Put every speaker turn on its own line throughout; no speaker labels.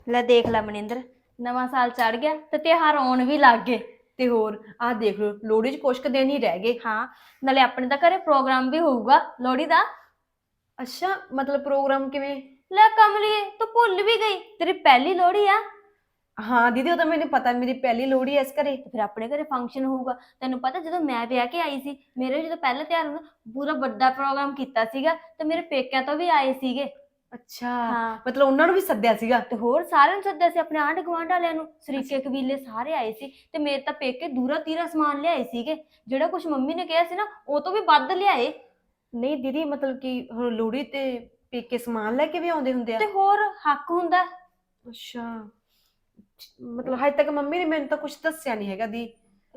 ਲੈ ਦੇਖ ਲੈ ਮਨਿੰਦਰ, ਨਵਾਂ ਸਾਲ ਚੜ ਗਿਆ ਤੇ ਤਿਉਹਾਰ ਆਉਣ ਵੀ ਲੱਗ ਗਏ।
ਤੇ ਹੋਰ ਆਹ ਦੇਖ ਲਓ, ਲੋਹੜੀ 'ਚ ਕੁਛ ਕੁ ਦਿਨ ਹੀ ਰਹਿ ਗਏ।
ਹਾਂ, ਨਾਲੇ ਆਪਣੇ ਤਾਂ ਘਰੇ ਪ੍ਰੋਗਰਾਮ ਵੀ ਹੋਊਗਾ ਲੋਹੜੀ ਦਾ।
ਅੱਛਾ, ਮਤਲਬ ਪ੍ਰੋਗਰਾਮ ਕਿਵੇਂ?
ਲੈ ਕਮਲੀਏ, ਤੂੰ ਭੁੱਲ ਵੀ ਗਈ, ਤੇਰੀ ਪਹਿਲੀ ਲੋਹੜੀ ਆ।
ਹਾਂ ਦੀਦੀ, ਉਹ ਤਾਂ ਮੈਨੂੰ ਪਤਾ, ਮੇਰੀ ਪਹਿਲੀ ਲੋਹੜੀ ਐ ਇਸ ਘਰੇ।
ਤੇ ਫਿਰ ਆਪਣੇ ਘਰੇ ਫੰਕਸ਼ਨ ਹੋਊਗਾ। ਤੈਨੂੰ ਪਤਾ ਜਦੋਂ ਮੈਂ ਵਿਆਹ ਕੇ ਆਈ ਸੀ, ਮੇਰੇ ਜਦੋਂ ਪਹਿਲਾ ਤਿਉਹਾਰ ਹੁੰਦਾ, ਪੂਰਾ ਵੱਡਾ ਪ੍ਰੋਗਰਾਮ ਕੀਤਾ ਸੀਗਾ ਤੇ ਮੇਰੇ ਪੇਕਿਆਂ ਤੋਂ ਵੀ ਆਏ ਸੀਗੇ।
ਅੱਛਾ,
ਹਾਂ,
ਮਤਲਬ ਉਹਨਾਂ ਨੂੰ ਵੀ ਸੱਦਿਆ ਸੀਗਾ।
ਤੇ ਹੋਰ ਸਾਰਿਆਂ ਨੂੰ ਸੱਦਿਆ ਸੀ, ਆਪਣੇ ਆਂਢ ਗੁਆਂਢ ਵਾਲਿਆਂ ਨੂੰ,
ਅੱਛਾ।
ਸਰੀਕੇ ਕਬੀਲੇ ਸਾਰੇ ਆਏ ਸੀ। ਤੇ ਮੇਰੇ ਤਾਂ ਪੇਕੇ ਦੂਰਾ ਤੀਰਾ ਸਮਾਨ ਲਿਆਏ ਸੀਗੇ, ਜਿਹੜਾ ਕੁਝ ਮੰਮੀ ਨੇ ਕਿਹਾ ਸੀ ਨਾ ਉਹ ਤੋਂ ਵੀ ਵੱਧ ਲਿਆਏ।
ਨਹੀਂ ਦੀਦੀ, ਮਤਲਬ ਕਿ ਹੁਣ ਲੋਹੜੀ ਤੇ ਪੇਕੇ ਸਮਾਨ ਲੈ ਕੇ ਵੀ ਆਉਂਦੇ ਹੁੰਦੇ ਆ?
ਤੇ ਹੋਰ ਹੱਕ ਹੁੰਦਾ।
ਅੱਛਾ, ਮਤਲਬ ਹਜੇ ਤੱਕ ਮੰਮੀ ਨੇ ਮੈਨੂੰ ਤਾਂ ਕੁਝ ਦੱਸਿਆ ਨਹੀਂ ਹੈਗਾ ਦੀ।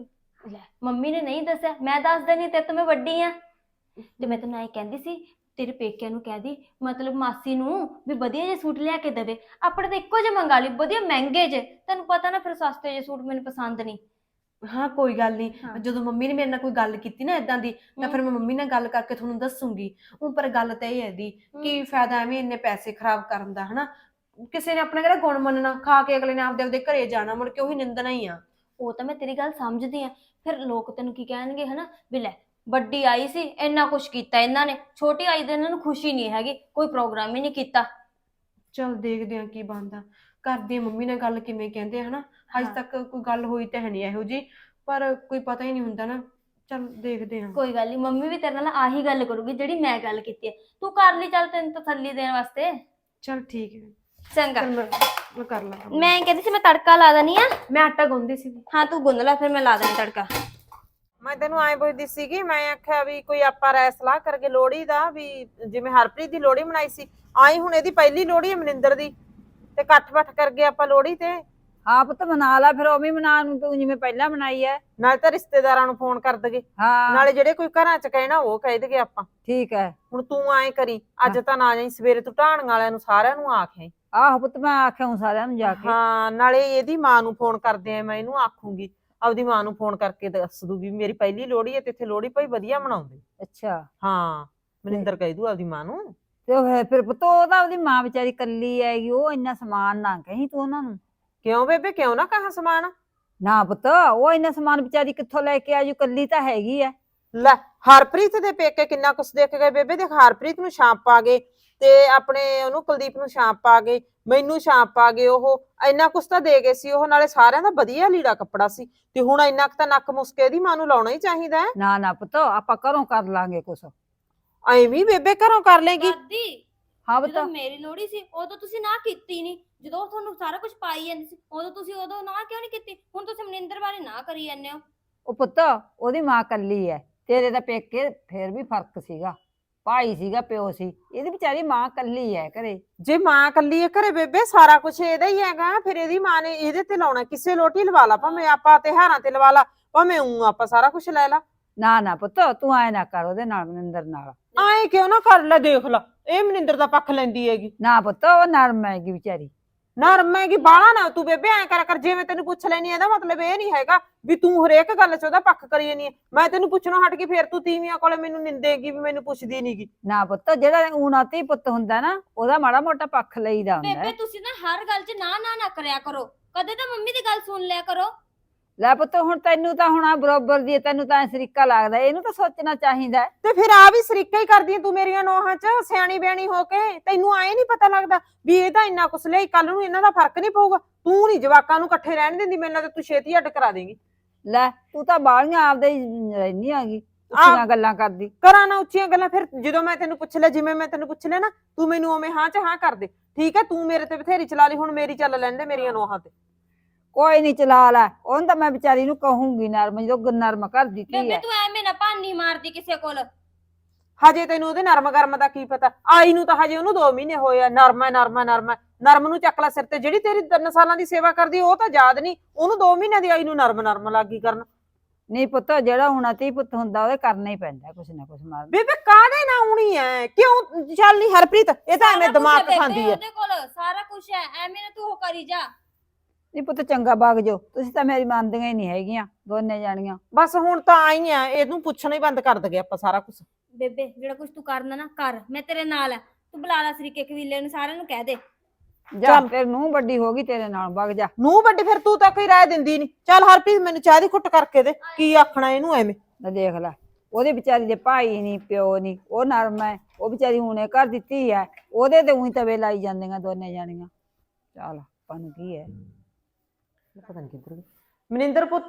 ਲੈ ਮੰਮੀ ਨੇ ਨਹੀਂ ਦੱਸਿਆ, ਮੈਂ ਦੱਸ ਦੇਣੀ, ਤੇਰੇ ਤੋਂ ਮੈਂ ਵੱਡੀ ਆ। ਤੇ ਮੈਂ ਤੈਨੂੰ ਐਂ ਕਹਿੰਦੀ ਸੀ, ਤੇਰੇ ਪੇਕਿਆਂ ਨੂੰ ਕਹਿ ਦੀ, ਮਤਲਬ ਮਾਸੀ ਨੂੰ ਵੀ ਵਧੀਆ ਜਿਹੇ ਸੂਟ ਲਿਆ ਕੇ ਦੇਵੇ। ਆਪਣੇ ਤਾਂ ਇੱਕੋ ਜਿਹੇ ਮੰਗਾ ਲਈ, ਵਧੀਆ ਮਹਿੰਗੇ ਜੇ, ਤੈਨੂੰ ਪਤਾ ਨਾ ਫਿਰ ਸਸਤੇ ਜਿਹੇ ਸੂਟ ਮੈਨੂੰ ਪਸੰਦ ਨਹੀਂ।
ਹਾਂ ਕੋਈ ਗੱਲ ਨਹੀਂ,
ਹਾਂ।
ਜਦੋਂ ਮੰਮੀ ਨੇ ਮੇਰੇ ਨਾਲ ਕੋਈ ਗੱਲ ਕੀਤੀ ਨਾ ਇਦਾਂ ਦੀ, ਤਾਂ ਫਿਰ ਮੈਂ ਮੰਮੀ ਨਾਲ ਗੱਲ ਕਰਕੇ ਤੁਹਾਨੂੰ ਦੱਸੂਗੀ। ਉਹ ਪਰ ਗੱਲ ਤਾਂ ਇਹ ਹੈ ਦੀ, ਕੀ ਫਾਇਦਾ ਐਵੇਂ ਇੰਨੇ ਪੈਸੇ ਖਰਾਬ ਕਰਨ ਦਾ, ਹਨਾ? ਕਿਸੇ ਨੇ ਆਪਣਾ ਕਿਹੜਾ ਗੁਣ ਮੰਨਣਾ, ਖਾ ਕੇ ਅਗਲੇ ਨੇ ਆਪਦੇ ਆਪਦੇ ਘਰੇ ਜਾਣਾ, ਮੁੜ ਕੇ ਉਹੀ ਨਿੰਦਣਾ ਹੀ ਆ।
ਉਹ ਤਾਂ ਮੈਂ ਤੇਰੀ ਗੱਲ ਸਮਝਦੀ ਆ, ਫਿਰ ਲੋਕ ਤੈਨੂੰ ਕੀ ਕਹਿਣਗੇ, ਹਨਾ ਵੀ ਲੈ ਵੱਡੀ ਆਈ ਸੀ ਇੰਨਾ ਕੁਛ ਕੀਤਾ ਇਹਨਾਂ ਨੇ, ਛੋਟੀ ਆਈ ਦੇ ਇਹਨਾਂ ਨੂੰ ਖੁਸ਼ੀ ਨਹੀਂ ਹੈਗੀ, ਕੋਈ ਪ੍ਰੋਗਰਾਮ ਹੀ ਨਹੀਂ ਕੀਤਾ।
ਚਲ ਦੇਖਦੇ ਆ ਕੀ ਬਣਦਾ, ਕਰਦੀ ਆ ਮੰਮੀ ਨਾਲ ਗੱਲ, ਕਿਵੇਂ ਕਹਿੰਦੇ ਆ, ਹਨਾ? ਅੱਜ
ਹਾਂ,
ਤੱਕ ਕੋਈ ਗੱਲ ਹੋਈ ਤਾਂ ਹੈ ਨਹੀਂ ਇਹੋ ਜੀ, ਪਰ ਕੋਈ ਪਤਾ ਹੀ ਨਹੀਂ ਹੁੰਦਾ ਨਾ। ਚਲ ਦੇਖਦੇ ਆ।
ਕੋਈ ਗੱਲ ਨਹੀਂ, ਮੰਮੀ ਵੀ ਤੇਰੇ ਨਾਲ ਆਹੀ ਗੱਲ ਕਰੂਗੀ ਜਿਹੜੀ ਮੈਂ ਗੱਲ ਕੀਤੀ ਹੈ, ਤੂੰ ਕਰ ਲਈ, ਚੱਲ ਤੈਨੂੰ ਤਸੱਲੀ ਦੇਣ ਵਾਸਤੇ।
ਚਲ ਠੀਕ ਹੈ।
ਚੰਗਾ,
ਚਲ ਮੈਂ ਕਰ ਲਾਂ ਕੰਮ।
ਮੈਂ ਕਹਿੰਦੀ ਸੀ ਮੈਂ ਤੜਕਾ ਲਾ ਦਨੀ ਆ।
ਮੈਂ ਆਟਾ ਗੁੰਨਦੀ ਸੀ।
ਹਾਂ ਤੂੰ ਗੁੰਨ ਲੈ, ਫਿਰ ਮੈਂ ਲਾ ਦਨੀ ਤੜਕਾ।
ਮੈਂ ਤੈਨੂੰ ਐਂ ਪੁੱਛਦੀ ਸੀਗੀ, ਮੈਂ ਆਖਿਆ ਵੀ ਕੋਈ ਆਪਾਂ ਰਾਏ ਸਲਾਹ ਕਰਕੇ ਲੋਹੜੀ ਦਾ, ਵੀ ਜਿਵੇਂ ਹਰਪ੍ਰੀਤ ਦੀ ਲੋਹੜੀ ਮਨਾਈ ਸੀ, ਆਈ ਹੁਣ ਇਹਦੀ ਪਹਿਲੀ ਲੋਹੜੀ ਹੈ ਮਨਿੰਦਰ ਦੀ, ਤੇ ਇਕੱਠ ਬੱਠ ਕਰਕੇ ਆਪਾਂ ਲੋਹੜੀ ਤੇ
ਹਾਂ ਪੁੱਤ ਮਨਾ ਲਾ, ਫਿਰ ਉਵੇਂ ਮਨਾ ਨੂੰ ਤੂੰ ਜਿਵੇਂ ਪਹਿਲਾਂ ਮਨਾਈ ਐ।
ਨਾਲੇ ਤਾਂ ਰਿਸ਼ਤੇਦਾਰਾਂ ਨੂੰ ਫੋਨ ਕਰ ਦਗੇ,
ਹਾਂ
ਨਾਲੇ ਜਿਹੜੇ ਕੋਈ ਘਰਾਂ ਚ ਕਹਿਣਾ ਉਹ ਕਹਿ ਦਗੇ ਆਪਾਂ।
ਠੀਕ ਹੈ।
ਹੁਣ ਤੂੰ ਐਂ ਕਰੀ, ਅੱਜ ਤਾਂ ਨਾ ਜਾਈ, ਸਵੇਰੇ ਤੂੰ ਢਾਣ ਵਾਲਿਆਂ ਨੂੰ ਸਾਰਿਆਂ ਨੂੰ ਆਖੇ।
ਆਹੋ ਪੁੱਤ ਮੈਂ ਆਖਿਆ ਹੂੰ ਸਾਰਿਆਂ ਨੂੰ ਜਾ ਕੇ।
ਹਾਂ, ਨਾਲੇ ਇਹਦੀ ਮਾਂ ਨੂੰ ਫੋਨ ਕਰਦੇ ਆ, ਮੈਂ ਇਹਨੂੰ ਆਖੂੰਗੀ, ਆਪਦੀ ਮਾਂ ਨੂੰ ਫੋਨ ਕਰਕੇ ਦੱਸ ਦੂਗੀ ਮੇਰੀ ਪਹਿਲੀ ਲੋਹੜੀ ਹੈ ਤੇ ਇੱਥੇ ਲੋਹੜੀ ਭਾਈ ਵਧੀਆ ਮਨਾਉਂਦੇ।
ਅੱਛਾ,
ਹਾਂ, ਮਨਿੰਦਰ ਕਹਿ ਦੂ ਆਪਦੀ ਮਾਂ ਨੂੰ।
ਤੇ ਫਿਰ ਪੁੱਤ ਉਹ ਤਾਂ ਉਹਦੀ ਮਾਂ ਵਿਚਾਰੀ ਕੱਲੀ ਹੈਗੀ, ਉਹ ਇੰਨਾ ਸਮਾਨ ਨਾ ਕਹੀਂ ਤੂੰ ਉਹਨਾਂ ਨੂੰ।
ਕਿਉਂ ਬੇਬੇ, ਕਿਉਂ ਨਾ ਕਹਾ ਸਮਾਨ?
ਨਾ ਪੁੱਤ, ਉਹ ਇੰਨਾ ਸਮਾਨ ਵਿਚਾਰੀ ਕਿੱਥੋਂ ਲੈ ਕੇ ਆਜੂ, ਕੱਲੀ ਤਾਂ ਹੈਗੀ ਐ।
ਲੈ ਹਰਪ੍ਰੀਤ ਦੇ ਪੇਕੇ ਕਿੰਨਾ ਕੁਛ ਦੇਖ ਗਏ ਬੇਬੇ, ਦੇਖ ਹਰਪ੍ਰੀਤ ਨੂੰ ਛਾਂਪ ਪਾ ਗਏ, ਤੇ ਆਪਣੇ ਉਹਨੂੰ ਕੁਲਦੀਪ ਨੂੰ ਛਾਂਪ ਪਾ ਗਏ, ਮੈਨੂੰ ਛਾਂਪ ਪਾ ਗਏ, ਉਹ ਇੰਨਾ ਕੁਛ ਤਾਂ ਦੇ ਗਏ ਸੀ ਉਹ, ਨਾਲੇ ਸਾਰਿਆਂ ਦਾ ਵਧੀਆ ਲੀੜਾ ਕੱਪੜਾ ਸੀ। ਤੇ ਹੁਣ ਇੰਨਾ ਕੁ ਤਾਂ ਨੱਕ ਮੁਸਕੇ ਦੀ ਮਾਂ ਨੂੰ ਲਾਉਣਾ ਹੀ ਚਾਹੀਦਾ ਹੈ।
ਨਾ ਨਾ ਪੁੱਤ, ਆਪਾਂ ਘਰੋਂ ਕਰ ਲਾਂਗੇ ਕੁਛ।
ਐਵੇਂ ਬੇਬੇ ਘਰੋਂ ਕਰ ਲੇਗੀ?
ਦਾਦੀ,
ਹਾਂ
ਜਦੋਂ
ਪੁੱਤ,
ਮੇਰੀ ਲੋਹੜੀ ਸੀ ਉਦੋਂ ਤੁਸੀਂ ਨਾ ਕੀਤੀ ਨਹੀਂ, ਜਦੋਂ ਤੁਹਾਨੂੰ ਸਾਰਾ ਕੁਝ ਪਾਈ ਜਾਂਦੀ ਸੀ ਉਦੋਂ ਤੁਸੀਂ ਉਦੋਂ ਨਾ ਕਿਉਂ ਨਹੀਂ ਕੀਤੀ? ਹੁਣ ਤੁਸੀਂ ਮਨਿੰਦਰ ਬਾਰੇ ਨਾ ਕਰੀ ਜਾਂਦੇ ਹੋ।
ਉਹ ਪੁੱਤ ਉਹਦੀ ਮਾਂ ਕੱਲੀ ਐ, ਤੇਰੇ ਦਾ ਪੇਕੇ ਫੇਰ ਵੀ ਫਰਕ ਸੀਗਾ, ਭਾਈ ਸੀਗਾ, ਪਿਓ ਸੀ, ਇਹਦੀ ਵਿਚਾਰੀ ਮਾਂ ਕੱਲੀ ਐ ਘਰੇ।
ਜੇ ਮਾਂ ਕੱਲੀ ਹੈ ਘਰੇ ਬੇਬੇ, ਸਾਰਾ ਕੁਛ ਇਹਦਾ ਹੀ ਹੈਗਾ, ਫਿਰ ਇਹਦੀ ਮਾਂ ਨੇ ਇਹਦੇ ਤੇ ਲਾਉਣਾ, ਕਿਸੇ ਲੋਟੀ ਲਵਾ ਲਾ, ਭਾਵੇਂ ਆਪਾਂ ਤਿਉਹਾਰਾਂ ਤੇ ਲਵਾ ਲਾ, ਭਾਵੇਂ ਆਪਾਂ ਸਾਰਾ ਕੁਛ ਲੈ ਲਾ।
ਨਾ ਨਾ ਪੁੱਤ, ਤੂੰ ਐ ਨਾ ਕਰ ਉਹਦੇ ਨਾਲ, ਮਨਿੰਦਰ ਨਾਲ।
ਆਏ ਕਿਉਂ ਨਾ ਕਰ ਲੈ, ਦੇਖ ਲਾ ਇਹ ਮਨਿੰਦਰ ਦਾ ਪੱਖ ਲੈਂਦੀ ਹੈਗੀ।
ਨਾ ਪੁੱਤ, ਉਹ ਨਰਮ ਹੈਗੀ ਵਿਚਾਰੀ।
ਨਰਮ ਹੈਗੀ ਬਾਹਲਾ ਨਾ ਤੂੰ ਬੇਬੇ ਐ ਕਰ ਜਿਵੇਂ ਤੈਨੂੰ ਪੁੱਛ ਲੈਣੀ, ਇਹਦਾ ਮਤਲਬ ਇਹ ਨਹੀਂ ਹੈਗਾ ਵੀ ਤੂੰ ਹਰੇਕ ਗੱਲ 'ਚ ਉਹਦਾ ਪੱਖ ਕਰੀ ਜਾਨੀ ਹੈ। ਮੈਂ ਤੈਨੂੰ ਪੁੱਛਣੋਂ ਹਟ ਕੇ ਫੇਰ ਤੂੰ ਤੀਵੀਆਂ ਕੋਲੇ ਮੈਨੂੰ ਨਿੰਦੇਗੀ ਵੀ ਮੈਨੂੰ ਪੁੱਛਦੀ ਨੀਗੀ।
ਨਾ ਪੁੱਤ, ਜਿਹੜਾ ਊਣਾ ਧੀ ਪੁੱਤ ਹੁੰਦਾ ਨਾ, ਉਹਦਾ ਮਾੜਾ ਮੋਟਾ ਪੱਖ ਲਈਦਾ ਹੁੰਦਾ
ਬੇਬੇ
ਹੈ।
ਤੁਸੀਂ ਨਾ ਹਰ ਗੱਲ 'ਚ ਨਾ ਕਰਿਆ ਕਰੋ, ਕਦੇ ਤਾਂ ਮੰਮੀ ਦੀ ਗੱਲ ਸੁਣ ਲਿਆ ਕਰੋ।
ਲੈ ਪੁੱਤ, ਹੁਣ ਤੈਨੂੰ ਤਾਂ ਹੁਣ ਬਰੋਬਰ ਦੀ ਹੈ, ਤੈਨੂੰ ਤਾਂ ਸਰੀਕਾ ਲੱਗਦਾ, ਇਹਨੂੰ ਤਾਂ ਸੋਚਣਾ ਚਾਹੀਦਾ ਹੈ।
ਤੇ ਫਿਰ ਆ ਵੀ ਸਰੀਕਾ ਹੀ ਕਰਦੀ ਤੂੰ ਮੇਰੀਆਂ ਨੋਹਾਂ 'ਚ, ਸਿਆਣੀ ਬਿਆਣੀ ਹੋ ਕੇ। ਤੈਨੂੰ ਆਏ ਨਹੀਂ ਪਤਾ ਲੱਗਦਾ ਵੀ ਇਹ ਤਾਂ ਇੰਨਾ ਕੁਛ ਲਿਆਈ, ਕੱਲ ਨੂੰ ਇਹਨਾਂ ਦਾ ਫਰਕ ਨਹੀਂ ਪਊਗਾ? ਤੂੰ ਨਹੀਂ ਜਵਾਕਾਂ ਨੂੰ ਇਕੱਠੇ ਰਹਿਣ ਦਿੰਦੀ, ਮੇਰੇ ਨਾਲ ਤਾਂ ਤੂੰ ਛੇਤੀ ਅੱਡ ਕਰਾ ਦੇਂਗੀ।
ਲੈ ਤੂੰ ਤਾਂ ਬਾਹਲੀਆਂ ਆਪਦੇ ਹੀ ਰਹਿਨੀ ਆਗੀ, ਉੱਚੀਆਂ ਗੱਲਾਂ ਕਰਦੀ।
ਕਰਾਂ ਨਾ ਉੱਚੀਆਂ ਗੱਲਾਂ, ਫਿਰ ਜਦੋਂ ਮੈਂ ਤੈਨੂੰ ਪੁੱਛ ਲਿਆ, ਜਿਵੇਂ ਮੈਂ ਤੈਨੂੰ ਪੁੱਛ ਲਿਆ ਨਾ, ਤੂੰ ਮੈਨੂੰ ਉਵੇਂ ਹਾਂ 'ਚ ਹਾਂ ਕਰ ਦੇ, ਠੀਕ ਹੈ? ਤੂੰ ਮੇਰੇ ਤੇ ਬਥੇਰੀ ਚਲਾ ਲਈ, ਹੁਣ ਮੇਰੀ ਚੱਲ ਲੈਂਦੇ ਮੇਰੀਆਂ ਨੋਹਾਂ ਤੇ।
ਕੋਈ ਨਹੀਂ, ਚਲਾ ਲੈ ਉਹਨੂੰ ਤਾਂ ਮੈਂ ਵਿਚਾਰੀ ਨੂੰ ਕਹੂੰਗੀ ਨਰਮ, ਜਦੋਂ ਨਰਮ ਕਰ ਦਿੱਤੀ
ਬੇਬੇ
ਹੈ।
ਤੂੰ ਐਵੇਂ ਨਾ ਭਾਨੀ ਮਾਰਦੀ ਕਿਸੇ ਕੋਲ।
ਹਜੇ ਤੈਨੂੰ ਉਹਦੇ ਨਰਮ ਗਰਮ ਦਾ ਕੀ ਪਤਾ, ਆਈ ਨੂੰ ਤਾਂ ਹਜੇ ਉਹਨੂੰ 2 ਮਹੀਨੇ ਹੋਏ ਆ। ਨਰਮ ਹੈ ਨਰਮ ਹੈ ਨਰਮ ਹੈ, ਨਰਮ ਨੂੰ ਚੱਕ ਲੈ ਸਿਰ ਤੇ, ਜਿਹੜੀ ਤੇਰੀ 3 ਸਾਲਾਂ ਦੀ ਸੇਵਾ ਕਰਦੀ ਉਹ ਤਾਂ ਯਾਦ ਨਹੀਂ, ਉਹਨੂੰ 2 ਮਹੀਨਿਆਂ ਦੀ ਆਈ ਨੂੰ ਨਰਮ ਲੱਗੀ ਕਰਨ।
ਨਹੀਂ ਪੁੱਤ, ਜਿਹੜਾ ਊਣਾ ਧੀ ਪੁੱਤ ਹੁੰਦਾ ਉਹਦੇ ਕਰਨਾ ਹੀ ਪੈਂਦਾ ਕੁਛ ਨਾ ਕੁਛ। ਮਾਰ
ਬੇਬੇ ਕਾਹਦੇ ਨਾ ਆਉਣੀ ਐ, ਕਿਉਂ ਚੱਲ ਨਹੀਂ ਹਰਪ੍ਰੀਤ, ਇਹ ਤਾਂ ਐਵੇਂ ਦਿਮਾਗ ਖਾਂਦੀ ਐ।
ਉਹਦੇ ਕੋਲ ਸਾਰਾ ਕੁਝ ਹੈ, ਐਵੇਂ ਨਾ ਤੂੰ ਉਹ ਕਰੀ ਜਾ।
ਨਹੀਂ ਪੁੱਤ, ਚੰਗਾ ਵਗ ਜਾਓ, ਤੁਸੀਂ ਤਾਂ ਮੇਰੀ ਮੰਨਦੀਆਂ ਹੀ ਨਹੀਂ ਹੈਗੀਆਂ ਦੋਨੇ ਜਾਣੀਆਂ।
ਬਸ ਹੁਣ ਤਾਂ ਆਈ ਆ, ਇਹਨੂੰ ਪੁੱਛਣਾ ਹੀ ਬੰਦ ਕਰ ਦਗੇ ਆਪਾਂ ਸਾਰਾ ਕੁਝ।
ਬੇਬੇ ਜਿਹੜਾ ਕੁਝ ਤੂੰ ਕਰਨਾ ਨਾ ਕਰ, ਮੈਂ ਤੇਰੇ ਨਾਲ ਆ। ਤੂੰ ਬੁਲਾ ਲੈ ਸਰੀਕੇ ਕਬੀਲੇ ਨੂੰ, ਸਾਰਿਆਂ ਨੂੰ ਕਹਿ ਦੇ।
ਜਾ
ਚੱਲ।
ਫਿਰ ਨੂੰ ਵੱਡੀ ਹੋ ਗਈ ਤੇਰੇ ਨਾਲ ਵਗ ਜਾ।
ਨੂੰ ਵੱਡੀ ਫਿਰ ਤੂੰ ਤਾਂ ਕੋਈ ਰਾਏ ਦਿੰਦੀ ਨਹੀਂ। ਚੱਲ ਹਰਪ੍ਰੀਤ ਮੈਨੂੰ ਚਾਹ ਦੀ ਘੁੱਟ ਕਰਕੇ ਦੇ, ਕੀ ਆਖਣਾ ਇਹਨੂੰ ਐਵੇਂ।
ਲੈ ਦੇਖ ਲੈ, ਉਹਦੇ ਵਿਚਾਰੀ ਦੇ ਭਾਈ ਨਹੀਂ ਪਿਓ ਨਹੀਂ, ਉਹ ਨਰਮ ਹੈ, ਉਹ ਵਿਚਾਰੀ ਹੁਣੇ ਘਰ ਦਿੱਤੀ ਹੈ, ਉਹਦੇ ਤੇ ਉਹੀ ਤਵੇ ਲਾਈ ਜਾਂਦੀਆਂ ਦੋਨੇ ਜਾਣੀਆਂ। ਚੱਲ ਆਪਾਂ ਨੂੰ ਕੀ ਹੈ।
ਪਤਾ ਨਹੀਂ ਕਿੱਧਰ ਗਈ ਮਨਿੰਦਰ ਪੁੱਤ।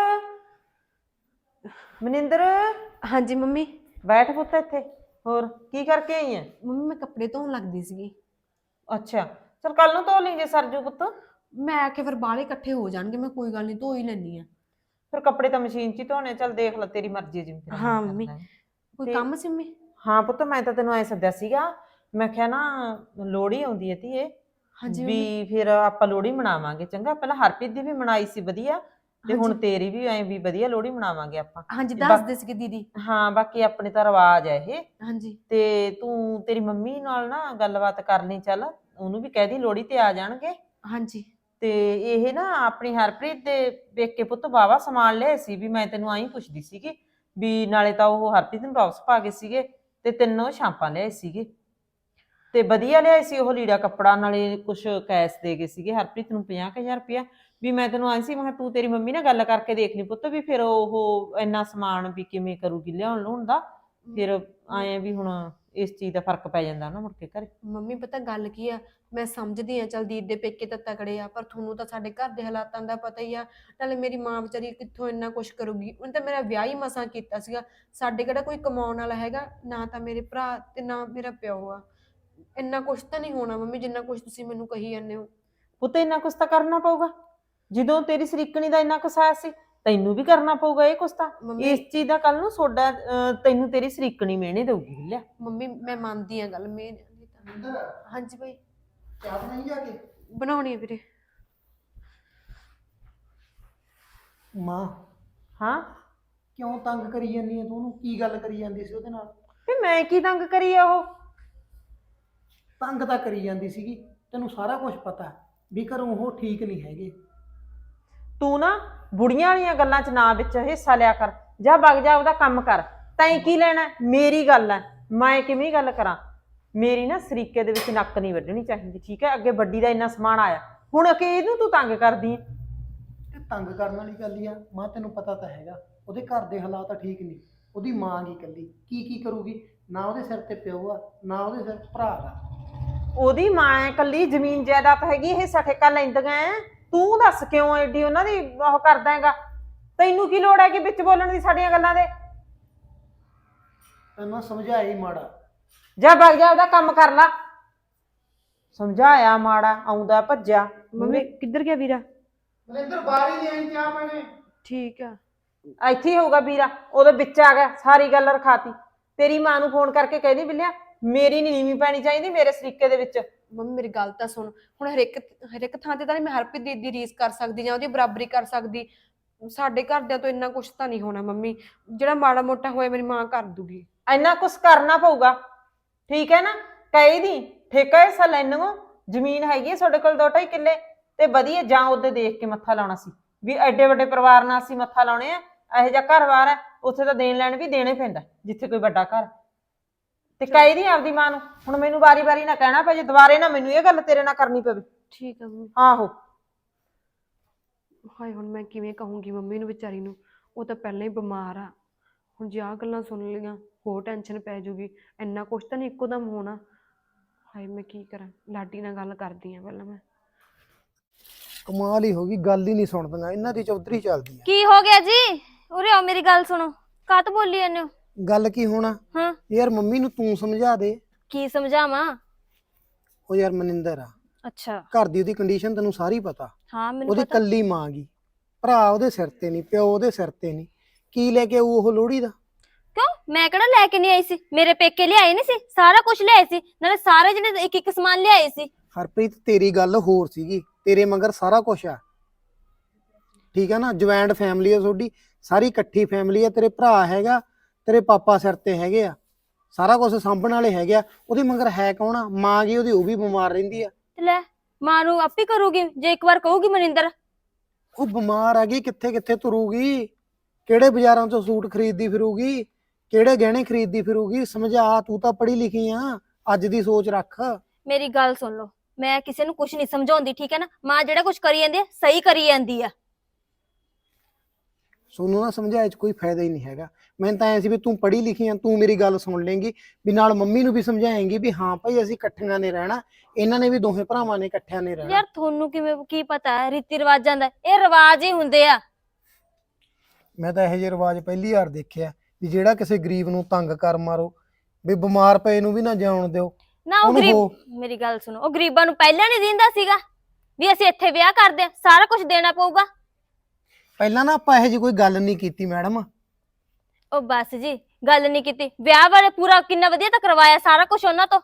ਮਨਿੰਦਰ
ਹਾਂਜੀ ਮੰਮੀ।
ਬੈਠ ਪੁੱਤ ਇੱਥੇ। ਹੋਰ ਕੀ ਕਰਕੇ ਆਈ ਐ?
ਮੰਮੀ ਮੈਂ ਕੱਪੜੇ ਧੋਣ ਲੱਗਦੀ ਸੀਗੀ।
ਅੱਛਾ ਚਲ ਕੱਲ ਨੂੰ ਧੋ ਲਈਂਗੇ ਸਰਜੂ ਪੁੱਤ।
ਮੈਂ ਆਖਿਆ ਫਿਰ ਬਾਹਲੇ ਇਕੱਠੇ ਹੋ ਜਾਣਗੇ, ਮੈਂ ਕੋਈ ਗੱਲ ਨਹੀਂ ਧੋ ਹੀ ਲੈਣੀ ਆ।
ਫਿਰ ਕੱਪੜੇ ਤਾਂ ਮਸ਼ੀਨ 'ਚ ਹੀ ਧੋਣੇ। ਚੱਲ ਦੇਖ ਲੈ ਤੇਰੀ ਮਰਜ਼ੀ ਜਿਵੇਂ ਤੇਰਾ
ਹਾਂ
ਮਨ
ਮੰਮੀ।
ਕਰਦਾ ਹੈ।
ਕੋਈ
ਤੇ-
ਕੰਮ ਸੀ ਮੰਮੀ?
ਹਾਂ ਪੁੱਤ ਮੈਂ ਤਾਂ ਤੈਨੂੰ ਐ ਸੱਦਿਆ ਸੀਗਾ, ਮੈਂ ਕਿਹਾ ਨਾ ਲੋਹੜੀ ਆਉਂਦੀ ਹੈ ਧੀਏ,
ਹਾਂਜੀ ਮੰਮੀ।
ਵੀ ਫਿਰ ਆਪਾਂ ਲੋਹੜੀ ਮਨਾਵਾਂਗੇ। ਚੰਗਾ ਪਹਿਲਾਂ ਹਰਪ੍ਰੀਤ ਦੀ ਵੀ ਮਨਾਈ ਸੀ ਵਧੀਆ, ਤੇ ਹੁਣ
ਹਾਂਜੀ।
ਤੇਰੀ ਵੀ ਐ ਵੀ ਵਧੀਆ ਲੋਹੜੀ ਮਨਾਵਾਂਗੇ ਆਪਾਂ।
ਹਾਂਜੀ
ਬਾ-
ਦੱਸਦੇ ਸੀਗੇ ਦੀਦੀ।
ਹਾਂ ਬਾਕੀ ਆਪਣੇ ਤਾਂ ਰਿਵਾਜ ਹੈ ਇਹ।
ਹਾਂਜੀ
ਤੇ ਤੂੰ ਤੇਰੀ ਮੰਮੀ ਨਾਲ ਨਾ ਗੱਲਬਾਤ ਕਰ ਲਈ, ਚੱਲ ਉਹਨੂੰ ਵੀ ਕਹਿ ਦੀ ਲੋਹੜੀ ਤੇ ਆ ਜਾਣਗੇ।
ਹਾਂਜੀ
ਤੇ ਇਹ ਨਾ ਆਪਣੀ ਹਰਪ੍ਰੀਤ ਦੇ ਪੇਕੇ ਪੁੱਤ ਵਾਵਾ ਸਮਾਨ ਲਿਆਏ ਸੀ, ਵੀ ਮੈਂ ਤੈਨੂੰ ਆਈ ਪੁੱਛਦੀ ਸੀਗੀ ਵੀ ਨਾਲੇ ਤਾਂ ਉਹ ਹਰਪ੍ਰੀਤ ਨੂੰ ਟੌਪਸ ਪਾ ਗਏ ਸੀਗੇ ਤੇ ਤਿੰਨੋਂ ਛਾਂਪਾਂ ਲਿਆਏ ਸੀਗੇ, ਤੇ ਵਧੀਆ ਲਿਆਏ ਸੀ ਉਹ ਲੀੜਾ ਕੱਪੜਾ, ਨਾਲੇ ਕੁਛ ਕੈਸ਼ ਦੇ ਗਏ ਸੀਗੇ ਹਰਪ੍ਰੀਤ ਨੂੰ 50,000 ਰੁਪਇਆ। ਵੀ ਮੈਂ ਤੈਨੂੰ ਆਈ ਸੀ, ਮੈਂ ਕਿਹਾ ਤੂੰ ਤੇਰੀ ਮੰਮੀ ਨਾਲ ਗੱਲ ਕਰਕੇ ਦੇਖ ਲਈ ਪੁੱਤ, ਵੀ ਫਿਰ ਉਹ ਇੰਨਾ ਸਮਾਨ ਵੀ ਕਿਵੇਂ ਕਰੂਗੀ ਲਿਆਉਣ ਲੂਣ ਦਾ। ਫਿਰ ਆਏ ਵੀ ਹੁਣ ਇਸ ਚੀਜ਼ ਦਾ ਫਰਕ ਪੈ ਜਾਂਦਾ ਨਾ ਮੁੜ ਕੇ ਘਰੇ।
ਮੰਮੀ ਪਤਾ ਗੱਲ ਕੀ ਆ, ਮੈਂ ਸਮਝਦੀ ਆ ਚਲ ਦੀਦੀ ਦੇ ਪੇਕੇ ਤਾਂ ਤਕੜੇ ਆ, ਪਰ ਤੁਹਾਨੂੰ ਤਾਂ ਸਾਡੇ ਘਰ ਦੇ ਹਾਲਾਤਾਂ ਦਾ ਪਤਾ ਹੀ ਆ। ਨਾਲੇ ਮੇਰੀ ਮਾਂ ਵਿਚਾਰੀ ਕਿੱਥੋਂ ਇੰਨਾ ਕੁਛ ਕਰੂਗੀ, ਉਹਨੇ ਤਾਂ ਮੇਰਾ ਵਿਆਹ ਹੀ ਮਸਾਂ ਕੀਤਾ ਸੀਗਾ। ਸਾਡੇ ਕਿਹੜਾ ਕੋਈ ਕਮਾਉਣ ਵਾਲਾ ਹੈਗਾ, ਨਾ ਤਾਂ ਮੇਰੇ ਭਰਾ ਤੇ ਨਾ ਮੇਰਾ ਪਿਓ ਆ। ਇੰਨਾ ਕੁਛ ਤਾਂ ਨਹੀਂ ਹੋਣਾ ਮੰਮੀ ਜਿੰਨਾ ਕੁਛ ਤੁਸੀਂ ਮੈਨੂੰ ਕਹੀ ਜਾਂਦੇ ਹੋ।
ਪੁੱਤ ਇੰਨਾ ਕੁਛ ਤਾਂ ਕਰਨਾ ਪਊਗਾ, ਜਦੋਂ ਤੇਰੀ ਸਰੀਕਣੀ ਦਾ ਇੰਨਾ ਕੁਛ ਆਇਆ ਸੀ ਤੈਨੂੰ ਵੀ ਕਰਨਾ ਪਊਗਾ ਇਹ ਕੁਛ ਤਾਂ।
ਮੰਮੀ
ਇਸ ਚੀਜ਼ ਦਾ ਕੱਲ ਨੂੰ ਸੋਡਾ ਤੈਨੂੰ ਤੇਰੀ ਸਰੀਕਣੀ ਮਿਹਣੇ ਦਊਗੀ ਲਿਆ।
ਮੰਮੀ ਮੈਂ ਮੰਨਦੀ ਆ ਗੱਲ ਮੈਂ। ਹਾਂਜੀ ਭਾਈ
ਚਾਹ ਬਣਾਈ ਜਾ ਕੇ।
ਬਣਾਉਣੀ ਆ ਵੀਰੇ।
ਮਾਂ
ਹਾਂ
ਕਿਉਂ ਤੰਗ ਕਰੀ ਜਾਂਦੀ ਹੈ ਤੂੰ ਉਹਨੂੰ? ਕੀ ਗੱਲ ਕਰੀ ਜਾਂਦੀ ਸੀ ਉਹਦੇ ਨਾਲ?
ਵੀ ਮੈਂ ਕੀ ਤੰਗ ਕਰੀ ਆ? ਉਹ
ਤੰਗ ਤਾਂ ਕਰੀ ਜਾਂਦੀ ਸੀਗੀ, ਤੈਨੂੰ ਸਾਰਾ ਕੁਝ ਪਤਾ ਵੀ ਘਰੋਂ ਉਹ ਠੀਕ ਨਹੀਂ ਹੈਗੇ।
ਤੂੰ ਨਾ ਬੁੜੀਆਂ ਵਾਲੀਆਂ ਗੱਲਾਂ 'ਚ ਨਾ ਵਿੱਚ ਹਿੱਸਾ ਲਿਆ ਕਰ, ਜਾ ਵਗ ਜਾ ਉਹਦਾ ਕੰਮ ਕਰ। ਤੈਂ ਕੀ ਲੈਣਾ? ਮੇਰੀ ਗੱਲ ਹੈ, ਮੈਂ ਕਿਵੇਂ ਗੱਲ ਕਰਾਂ? ਮੇਰੀ ਨਾ ਸਰੀਕੇ ਦੇ ਵਿੱਚ ਨੱਕ ਨਹੀਂ ਵੱਢਣੀ ਚਾਹੀਦੀ, ਠੀਕ ਹੈ? ਅੱਗੇ ਵੱਡੀ ਦਾ ਇੰਨਾ ਸਮਾਨ ਆਇਆ, ਹੁਣ ਕਿ ਇਹਨੂੰ ਤੂੰ ਤੰਗ ਕਰਦੀ ਹੈ?
ਤੇ ਤੰਗ ਕਰਨ ਵਾਲੀ ਗੱਲ ਹੀ ਆ ਮਾਂ, ਤੈਨੂੰ ਪਤਾ ਤਾਂ ਹੈਗਾ ਉਹਦੇ ਘਰ ਦੇ ਹਾਲਾਤ ਠੀਕ ਨਹੀਂ। ਉਹਦੀ ਮਾਂ ਗੀ ਇਕੱਲੀ, ਕੀ ਕਰੂਗੀ? ਨਾ ਉਹਦੇ ਸਿਰ ਤੇ ਪਿਓ ਆ, ਨਾ ਉਹਦੇ ਸਿਰ ਭਰਾ ਆ।
ਉਹਦੀ ਮਾਂ ਹੈ ਇਕੱਲੀ, ਜ਼ਮੀਨ ਜਾਇਦਾਦ ਹੈਗੀ, ਇਹ ਠੇਕਾ ਲੈਂਦੀਆਂ ਐ। ਤੂੰ ਦੱਸ ਕਿਉਂ ਐਡੀ ਉਹਨਾਂ ਦੀ ਉਹ ਕਰਦਾ ਹੈਗਾ? ਤੈਨੂੰ ਕੀ ਲੋੜ ਹੈ ਕਿ ਵਿੱਚ ਬੋਲਣ ਦੀ ਸਾਡੀਆਂ ਗੱਲਾਂ ਦੇ?
ਤੈਨੂੰ ਸਮਝਾਇਆ ਹੀ ਮਾੜਾ।
ਜਾ ਵਗ ਜਾ ਉਹਦਾ ਕੰਮ ਕਰ ਲਾ। ਸਮਝਾਇਆ ਮਾੜਾ, ਆਉਂਦਾ ਭੱਜਿਆ।
ਮੰਮੀ ਕਿੱਧਰ ਗਿਆ ਵੀਰਾ?
ਮਨਿੰਦਰ ਬਾਹਰ ਹੀ ਲਿਆਈ ਚਾਹ ਪਾਣੇ।
ਠੀਕ ਆ।
ਇੱਥੇ ਹੀ ਹੋਊਗਾ ਵੀਰਾ, ਉਹਦੇ ਵਿੱਚ ਆ ਗਿਆ, ਸਾਰੀ ਗੱਲ ਰਖਾਤੀ। ਤੇਰੀ ਮਾਂ ਨੂੰ ਫੋਨ ਕਰਕੇ ਕਹਿਦੀ ਬਿੱਲਿਆ ਮੇਰੀ ਨੀ ਨੀਵੀਂ ਪੈਣੀ ਚਾਹੀਦੀ ਮੇਰੇ ਸਰੀਕੇ ਦੇ ਵਿੱਚ।
ਮੰਮੀ ਮੇਰੀ ਗੱਲ ਤਾਂ ਸੁਣ, ਹੁਣ ਹਰ ਇੱਕ ਥਾਂ ਤੇ ਤਾਂ ਨਹੀਂ ਮੈਂ ਹਰਪ੍ਰੀਤ ਦੀ ਰੀਸ ਕਰ ਸਕਦੀ ਜਾਂ ਉਹਦੀ ਬਰਾਬਰੀ ਕਰ ਸਕਦੀ। ਸਾਡੇ ਘਰਦਿਆਂ ਤੋਂ ਇੰਨਾ ਕੁਛ ਤਾਂ ਨਹੀਂ ਹੋਣਾ ਮੰਮੀ, ਜਿਹੜਾ ਮਾੜਾ ਮੋਟਾ ਹੋਇਆ ਮੇਰੀ ਮਾਂ ਕਰ ਦੂਗੀ।
ਇੰਨਾ ਕੁਛ ਕਰਨਾ ਪਊਗਾ, ਠੀਕ ਹੈ ਨਾ? ਕਹੀ ਦੀ ਠੇਕਾ ਹਿੱਸਾ ਲੈਣੋ, ਜ਼ਮੀਨ ਹੈਗੀ ਹੈ ਤੁਹਾਡੇ ਕੋਲ 2-2.5 ਕਿੱਲੇ, ਤੇ ਵਧੀਆ ਜਾਂ ਉਹਦੇ ਦੇਖ ਕੇ ਮੱਥਾ ਲਾਉਣਾ ਸੀ ਵੀ ਐਡੇ ਵੱਡੇ ਪਰਿਵਾਰ ਨਾਲ ਅਸੀਂ ਮੱਥਾ ਲਾਉਣੇ ਆ। ਇਹੋ ਜਿਹਾ ਘਰ-ਬਾਰ ਹੈ, ਉੱਥੇ ਤਾਂ ਦੇਣ ਲੈਣ ਵੀ ਦੇਣੇ ਪੈਂਦਾ ਜਿੱਥੇ ਕੋਈ ਵੱਡਾ ਘਰ। ਤੇ ਕਹੀ ਦੀ ਆਪਦੀ ਮਾਂ ਨੂੰ, ਹੁਣ ਮੈਨੂੰ ਵਾਰੀ-ਵਾਰੀ ਨਾ ਕਹਿਣਾ ਪਏ, ਜੇ ਦੁਬਾਰੇ ਨਾ ਮੈਨੂੰ ਇਹ ਗੱਲ ਤੇਰੇ ਨਾਲ ਕਰਨੀ ਪਵੇ।
ਠੀਕ ਆ ਮੰਮੀ।
ਆਹੋ
ਹਾਏ ਹੁਣ ਮੈਂ ਕਿਵੇਂ ਕਹੂੰਗੀ ਮੰਮੀ ਨੂੰ ਵਿਚਾਰੀ ਨੂੰ, ਉਹ ਤਾਂ ਪਹਿਲਾਂ ਹੀ ਬਿਮਾਰ ਆ। ਹੁਣ ਜੇ ਆਹ ਗੱਲਾਂ ਸੁਣ ਲਈਆਂ ਹੋਰ ਟੈਨਸ਼ਨ ਪੈ ਜੂਗੀ। ਇੰਨਾ ਕੁਛ ਤਾਂ ਨਹੀਂ ਇੱਕੋ ਦਮ ਹੋਣਾ। ਹਾਏ ਮੈਂ ਕੀ ਕਰਾਂ, ਲਾਡੀ ਨਾਲ ਗੱਲ ਕਰਦੀ ਆ ਪਹਿਲਾਂ ਮੈਂ।
ਕਮਾਲ ਹੀ ਹੋ ਗਈ, ਗੱਲ ਹੀ ਨਹੀਂ ਸੁਣਦੀਆਂ ਇਹਨਾਂ ਦੀ, ਚੌਧਰੀ ਚੱਲਦੀ ਆ।
ਕੀ ਹੋ ਗਿਆ ਜੀ? ਉਰੇ ਆਓ ਮੇਰੀ ਗੱਲ ਸੁਣੋ। ਕਾਤ ਬੋਲੀ ਜਾਂਦੇ ਹੋ?
ਗੱਲ ਕੀ ਹੋਣਾ
ਹਾਂ
ਯਾਰ, ਮੰਮੀ ਨੂੰ ਤੂੰ ਸਮਝਾ ਦੇ।
ਕੀ ਸਮਝਾਵਾਂ?
ਉਹ ਯਾਰ ਮਨਿੰਦਰ ਆ,
ਅੱਛਾ
ਘਰ ਦੀ ਉਹਦੀ ਕੰਡੀਸ਼ਨ ਤੈਨੂੰ ਸਾਰੀ ਪਤਾ।
ਹਾਂ ਮੈਨੂੰ
ਉਹਦੀ
ਪਤਾ।
ਕੱਲੀ ਮਾਂ ਗੀ, ਭਰਾ ਉਹਦੇ ਸਿਰ ਤੇ ਨਹੀਂ, ਪਿਓ ਉਹਦੇ ਸਿਰ ਤੇ ਨਹੀਂ। ਕੀ ਲੈ ਕੇ ਆਊ ਉਹ ਲੋਹੜੀ ਦਾ?
ਕਿਉਂ ਮੈਂ ਕਿਹੜਾ ਲੈ ਕੇ ਨਹੀਂ ਆਈ ਸੀ? ਮੇਰੇ ਪੇਕੇ ਲਿਆਏ ਨਹੀਂ ਸੀ? ਸਾਰਾ ਕੁਝ ਲਿਆਏ ਸੀ, ਨਾਲੇ ਸਾਰੇ ਜਿਹਨੇ ਇੱਕ ਇੱਕ ਸਮਾਨ ਲਿਆਏ ਸੀ।
ਹਰਪ੍ਰੀਤ ਤੇਰੀ ਗੱਲ ਹੋਰ ਸੀਗੀ, ਤੇਰੇ ਮਗਰ ਸਾਰਾ ਕੁਝ ਆ, ਠੀਕ ਆ ਨਾ? ਜੁਆਇੰਟ ਫੈਮਿਲੀ ਆ ਤੁਹਾਡੀ, ਸਾਰੀ ਇਕੱਠੀ ਫੈਮਿਲੀ ਆ। ਤੇਰੇ ਭਰਾ ਹੈਗਾ, ਤੇਰੇ ਪਾਪਾ ਸਿਰ ਤੇ ਹੈਗੇ ਆ, ਸਾਰਾ ਕੁਝ ਸਾਂਭਣ ਵਾਲੇ ਹੈਗੇ ਆ। ਉਹਦੇ ਮਗਰ ਹੈ ਕੌਣ ਆ? ਮਾਂ ਗੀ ਉਹਦੀ, ਉਹ ਵੀ ਬਿਮਾਰ ਰਹਿੰਦੀ ਆ।
ਤੇ ਲੈ ਮਾਂ ਨੂੰ ਆਪੇ ਕਰੂਗੀ ਜੇ ਇੱਕ ਵਾਰ ਕਹੂਗੀ ਮਨਿੰਦਰ।
ਉਹ ਬਿਮਾਰ ਆ ਗਈ, ਕਿੱਥੇ ਕਿੱਥੇ ਤੁਰੂਗੀ? ਕਿਹੜੇ ਬਾਜ਼ਾਰਾਂ ਚੋਂ ਸੂਟ ਖਰੀਦਦੀ ਫਿਰੂਗੀ? ਕਿਹੜੇ ਗਹਿਣੇ ਖਰੀਦਦੀ ਫਿਰੂਗੀ? ਸਮਝਾ, ਤੂੰ ਤਾਂ ਪੜ੍ਹੀ ਲਿਖੀ ਆ, ਅੱਜ ਦੀ ਸੋਚ ਰੱਖ।
ਮੇਰੀ ਗੱਲ ਸੁਣ ਲਓ, ਮੈਂ ਕਿਸੇ ਨੂੰ ਕੁਝ ਨਹੀਂ ਸਮਝਾਉਂਦੀ, ਠੀਕ ਹੈ ਨਾ। ਮਾਂ ਜਿਹੜਾ ਕੁਝ ਕਰੀ ਜਾਂਦੀ ਹੈ ਸਹੀ ਕਰੀ ਜਾਂਦੀ ਆ।
ਸੋਨੂੰ ਨਾ ਸਮਝਾਏ ਚ ਕੋਈ ਫਾਇਦਾ ਹੀ ਨਹੀਂ ਹੈਗਾ। ਮੈਨੂੰ ਤਾਂ ਐ ਸੀ ਵੀ ਤੂੰ ਪੜ੍ਹੀ ਲਿਖੀ ਆ, ਤੂੰ ਮੇਰੀ ਗੱਲ ਸੁਣ ਲੇਂਗੀ, ਵੀ ਨਾਲ ਮੰਮੀ ਨੂੰ ਵੀ ਸਮਝਾਏਂਗੀ ਵੀ ਹਾਂ ਭਾਈ ਅਸੀਂ ਇਕੱਠੀਆਂ ਨੇ ਰਹਿਣਾ, ਇਹਨਾਂ ਨੇ ਵੀ ਦੋਹੇ ਭਰਾਵਾਂ ਨੇ ਇਕੱਠਿਆਂ ਨੇ ਰਹਿਣਾ।
ਯਾਰ ਤੁਹਾਨੂੰ ਕਿਵੇਂ ਕੀ ਪਤਾ ਹੈ ਰੀਤੀ ਰਿਵਾਜਾਂ ਦਾ? ਇਹ ਰਿਵਾਜ ਹੀ ਹੁੰਦੇ ਆ।
ਮੈਂ ਤਾਂ ਇਹੋ ਜਿਹੇ ਰਿਵਾਜ ਪਹਿਲੀ ਵਾਰ ਦੇਖਿਆ ਵੀ ਜਿਹੜਾ ਕਿਸੇ ਗਰੀਬ ਨੂੰ ਤੰਗ ਕਰ ਮਾਰੋ, ਵੀ ਬਿਮਾਰ ਪਏ ਨੂੰ ਵੀ ਨਾ ਜਿਉਣ ਦਿਓ।
ਨਾ ਉਹ
ਉਹਨੂੰ
ਗਰੀਬ, ਮੇਰੀ ਗੱਲ ਸੁਣੋ, ਉਹ ਗਰੀਬਾਂ ਨੂੰ ਪਹਿਲਾਂ ਨਹੀਂ ਦਿੰਦਾ ਸੀਗਾ ਵੀ ਅਸੀਂ ਇੱਥੇ ਵਿਆਹ ਕਰਦੇ ਆ, ਸਾਰਾ ਕੁਝ ਦੇਣਾ ਪਊਗਾ।
ਪਹਿਲਾਂ ਨਾ ਆਪਾਂ ਇਹੋ ਜਿਹੀ ਕੋਈ ਗੱਲ ਨਹੀਂ ਕੀਤੀ ਮੈਡਮ।
ਉਹ ਬਸ ਜੀ, ਗੱਲ ਨਹੀਂ ਕੀਤੀ। ਵਿਆਹ ਵਾਲੇ ਪੂਰਾ ਕਿੰਨਾ ਵਧੀਆ ਤਾਂ ਕਰਵਾਇਆ ਸਾਰਾ ਕੁਝ ਉਹਨਾਂ ਤੋਂ।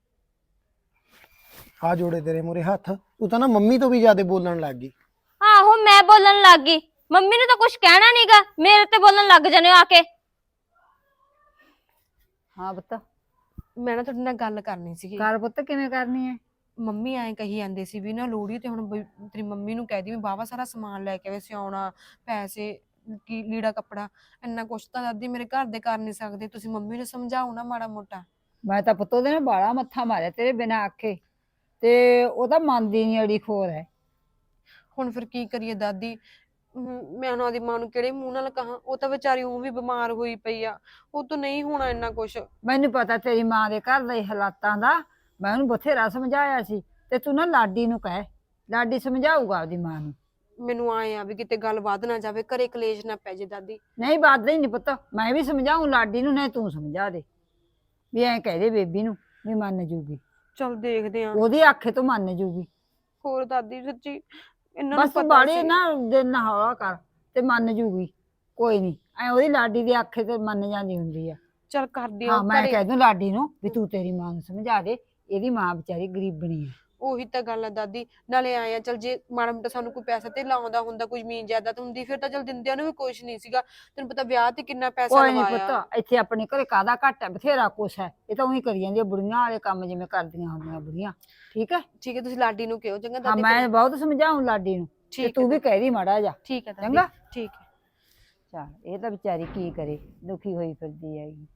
ਆ ਜੋੜੇ ਤੇਰੇ ਮੂਰੇ ਹੱਥ, ਤੂੰ ਤਾਂ ਨਾ ਮੰਮੀ ਤੋਂ ਵੀ ਜ਼ਿਆਦਾ ਬੋਲਣ ਲੱਗ ਗਈ।
ਆਹੋ ਮੈਂ ਬੋਲਣ ਲੱਗ ਗਈ, ਮੰਮੀ ਨੂੰ ਤਾਂ ਕੁਝ ਕਹਿਣਾ ਨਹੀਂਗਾ, ਮੇਰੇ ਤੇ ਬੋਲਣ ਲੱਗ ਜਾਣੇ ਆ ਕੇ।
ਹਾਂ ਪੁੱਤ,
ਮੈਂ ਨਾ ਤੁਹਾਡੇ ਨਾਲ ਗੱਲ ਕਰਨੀ ਸੀਗੀ।
ਕਰ ਪੁੱਤ, ਕਿਵੇਂ ਕਰਨੀ ਹੈ?
ਮੰਮੀ ਐਂ ਕਹੀ ਜਾਂਦੇ ਸੀ ਵੀ ਨਾ ਲੋਹੜੀ ਤੇ ਹੁਣ ਤੇਰੀ ਮੰਮੀ ਨੂੰ ਕਹਿ ਦੀ ਵੀ ਬਾਵਾ ਸਾਰਾ ਸਮਾਨ ਲੈ ਕੇ ਆਵੇ, ਸਿਆਉਣਾ, ਪੈਸੇ, ਕੀ ਲੀੜਾ ਕੱਪੜਾ, ਇੰਨਾ ਕੁਛ ਤਾਂ ਦਾਦੀ ਮੇਰੇ ਘਰ ਦੇ ਕਰ ਨਹੀਂ ਸਕਦੇ। ਤੁਸੀਂ ਮੰਮੀ ਨੂੰ ਸਮਝਾਓ ਨਾ ਮਾੜਾ ਮੋਟਾ।
ਮੈਂ ਤਾਂ ਪੁੱਤ ਉਹਦੇ ਨਾਲ ਬਾਲਾ ਮੱਥਾ ਮਾਰਿਆ ਤੇਰੇ ਬਿਨਾਂ ਆਖੇ, ਤੇ ਉਹ ਤਾਂ ਮੰਨਦੀ ਨਹੀਂ, ਅੜੀ ਖੋਰ ਹੈ।
ਹੁਣ ਫਿਰ ਕੀ ਕਰੀਏ ਦਾਦੀ, ਮੈਂ ਉਹਨਾਂ ਦੀ ਮਾਂ ਨੂੰ ਕਿਹੜੇ ਮੂੰਹ ਨਾਲ ਕਹਾਂ? ਉਹ ਤਾਂ ਵਿਚਾਰੀ ਉਹ ਵੀ ਬਿਮਾਰ ਹੋਈ ਪਈ ਆ, ਉਹ ਤੋਂ ਨਹੀਂ ਹੋਣਾ ਇੰਨਾ ਕੁਛ।
ਮੈਨੂੰ ਪਤਾ ਤੇਰੀ ਮਾਂ ਦੇ ਘਰ ਦੇ ਹਾਲਾਤਾਂ ਦਾ, ਮੈਂ ਉਹਨੂੰ ਬਥੇਰਾ ਸਮਝਾਇਆ ਸੀ। ਤੇ ਤੂੰ ਨਾ ਲਾਡੀ ਨੂੰ ਕਹਿ, ਲਾਡੀ ਸਮਝਾਊਗਾ ਆਪਦੀ ਮਾਂ ਨੂੰ।
ਮੈਨੂੰ ਆਏ ਆ ਵੀ ਕਿਤੇ ਗੱਲ ਵੱਧ ਨਾ ਜਾਵੇ, ਘਰੇ ਕਲੇਸ਼ ਨਾ ਪੈ ਜੇ ਦਾਦੀ।
ਨਹੀਂ ਵੱਧਦਾ ਹੀ ਨਹੀਂ ਪੁੱਤ, ਮੈਂ ਵੀ ਸਮਝਾਊਂ ਲਾਡੀ ਨੂੰ, ਨਹੀਂ ਤੂੰ ਸਮਝਾ ਦੇ ਵੀ ਐਂ ਕਹਿ ਦੇ ਬੇਬੀ ਨੂੰ ਵੀ ਮੰਨ ਜੂਗੀ,
ਚਲ ਦੇਖਦੇ ਆ।
ਉਹਦੀ ਆਖੇ ਤੋਂ ਮੰਨ ਜੂਗੀ।
ਹੋਰ ਦਾਦੀ ਸੱਚੀ ਇਹਨਾਂ ਨੂੰ
ਬਸ ਤੂੰ
ਪਤਾ
ਬਾੜੀ
ਸੀ।
ਨਾ ਦਿਲ ਨਾ ਹੌਲਾ ਕਰ ਤੇ ਮੰਨ ਜੂਗੀ, ਕੋਈ ਨਹੀਂ। ਐ ਉਹਦੀ ਲਾਡੀ ਦੀ ਆਖੇ ਤੇ ਮੰਨ ਜਾਂਦੀ ਹੁੰਦੀ ਆ।
ਚਲ ਕਰਦੀ ਆ
ਹਾਂ ਮੈਂ
ਘਰੇ।
ਕਹਿ ਦੂੰ ਲਾਡੀ ਨੂੰ ਵੀ ਤੂੰ ਤੇਰੀ ਮਾਂ ਨੂੰ ਸਮਝਾ ਦੇ, ਇਹਦੀ ਮਾਂ ਵਿਚਾਰੀ ਗਰੀਬਣੀ ਹੈ।
ਉਹੀ ਤਾਂ ਗੱਲ ਆ ਦਾਦੀ, ਨਾਲੇ ਆਏ ਆ ਚਲ ਜੇ ਮਾੜਾ ਮੋਟਾ ਸਾਨੂੰ ਕੋਈ ਪੈਸਾ ਤੇ ਲਾਉਂਦਾ ਹੁੰਦਾ, ਕੋਈ ਜ਼ਮੀਨ ਜਾਇਦਾਦ ਹੁੰਦੀ, ਫਿਰ ਤਾਂ ਚਲ ਦਿੰਦਿਆਂ ਨੂੰ ਵੀ ਕੁਛ ਨਹੀਂ ਸੀਗਾ। ਤੈਨੂੰ ਪਤਾ ਵਿਆਹ ਤੇ ਕਿੰਨਾ ਪੈਸਾ
ਕੋਈ ਨਹੀਂ
ਲਵਾਇਆ।
ਪੁੱਤ, ਇੱਥੇ ਆਪਣੇ ਘਰੇ ਕਾਹਦਾ ਘੱਟ ਹੈ, ਬਥੇਰਾ ਕੁਛ ਹੈ। ਇਹ ਤਾਂ ਉਹੀ ਕਰੀ ਜਾਂਦੀ ਬੁੜੀਆਂ ਵਾਲੇ ਕੰਮ ਜਿਵੇਂ ਕਰਦੀਆਂ ਹੁੰਦੀਆਂ ਬੁੜੀਆਂ, ਠੀਕ ਹੈ।
ਠੀਕ ਹੈ, ਤੁਸੀਂ ਲਾਡੀ ਨੂੰ ਕਿਹੋ ਚੰਗਾ
ਹਾਂ
ਦਾਦੀ।
ਮੈਂ ਬਹੁਤ ਸਮਝਾਉਂ ਲਾਡੀ ਨੂੰ, ਤੇ
ਠੀਕ
ਤੂੰ ਵੀ ਕਹਿ ਦੀ ਮਾੜਾ ਜਾ,
ਠੀਕ ਹੈ ਦਾਦੀ,
ਚੰਗਾ।
ਠੀਕ ਹੈ।
ਚੱਲ ਇਹ ਤਾਂ ਵਿਚਾਰੀ ਕੀ ਕਰੇ, ਦੁਖੀ ਹੋਈ ਫਿਰਦੀ ਹੈਗੀ।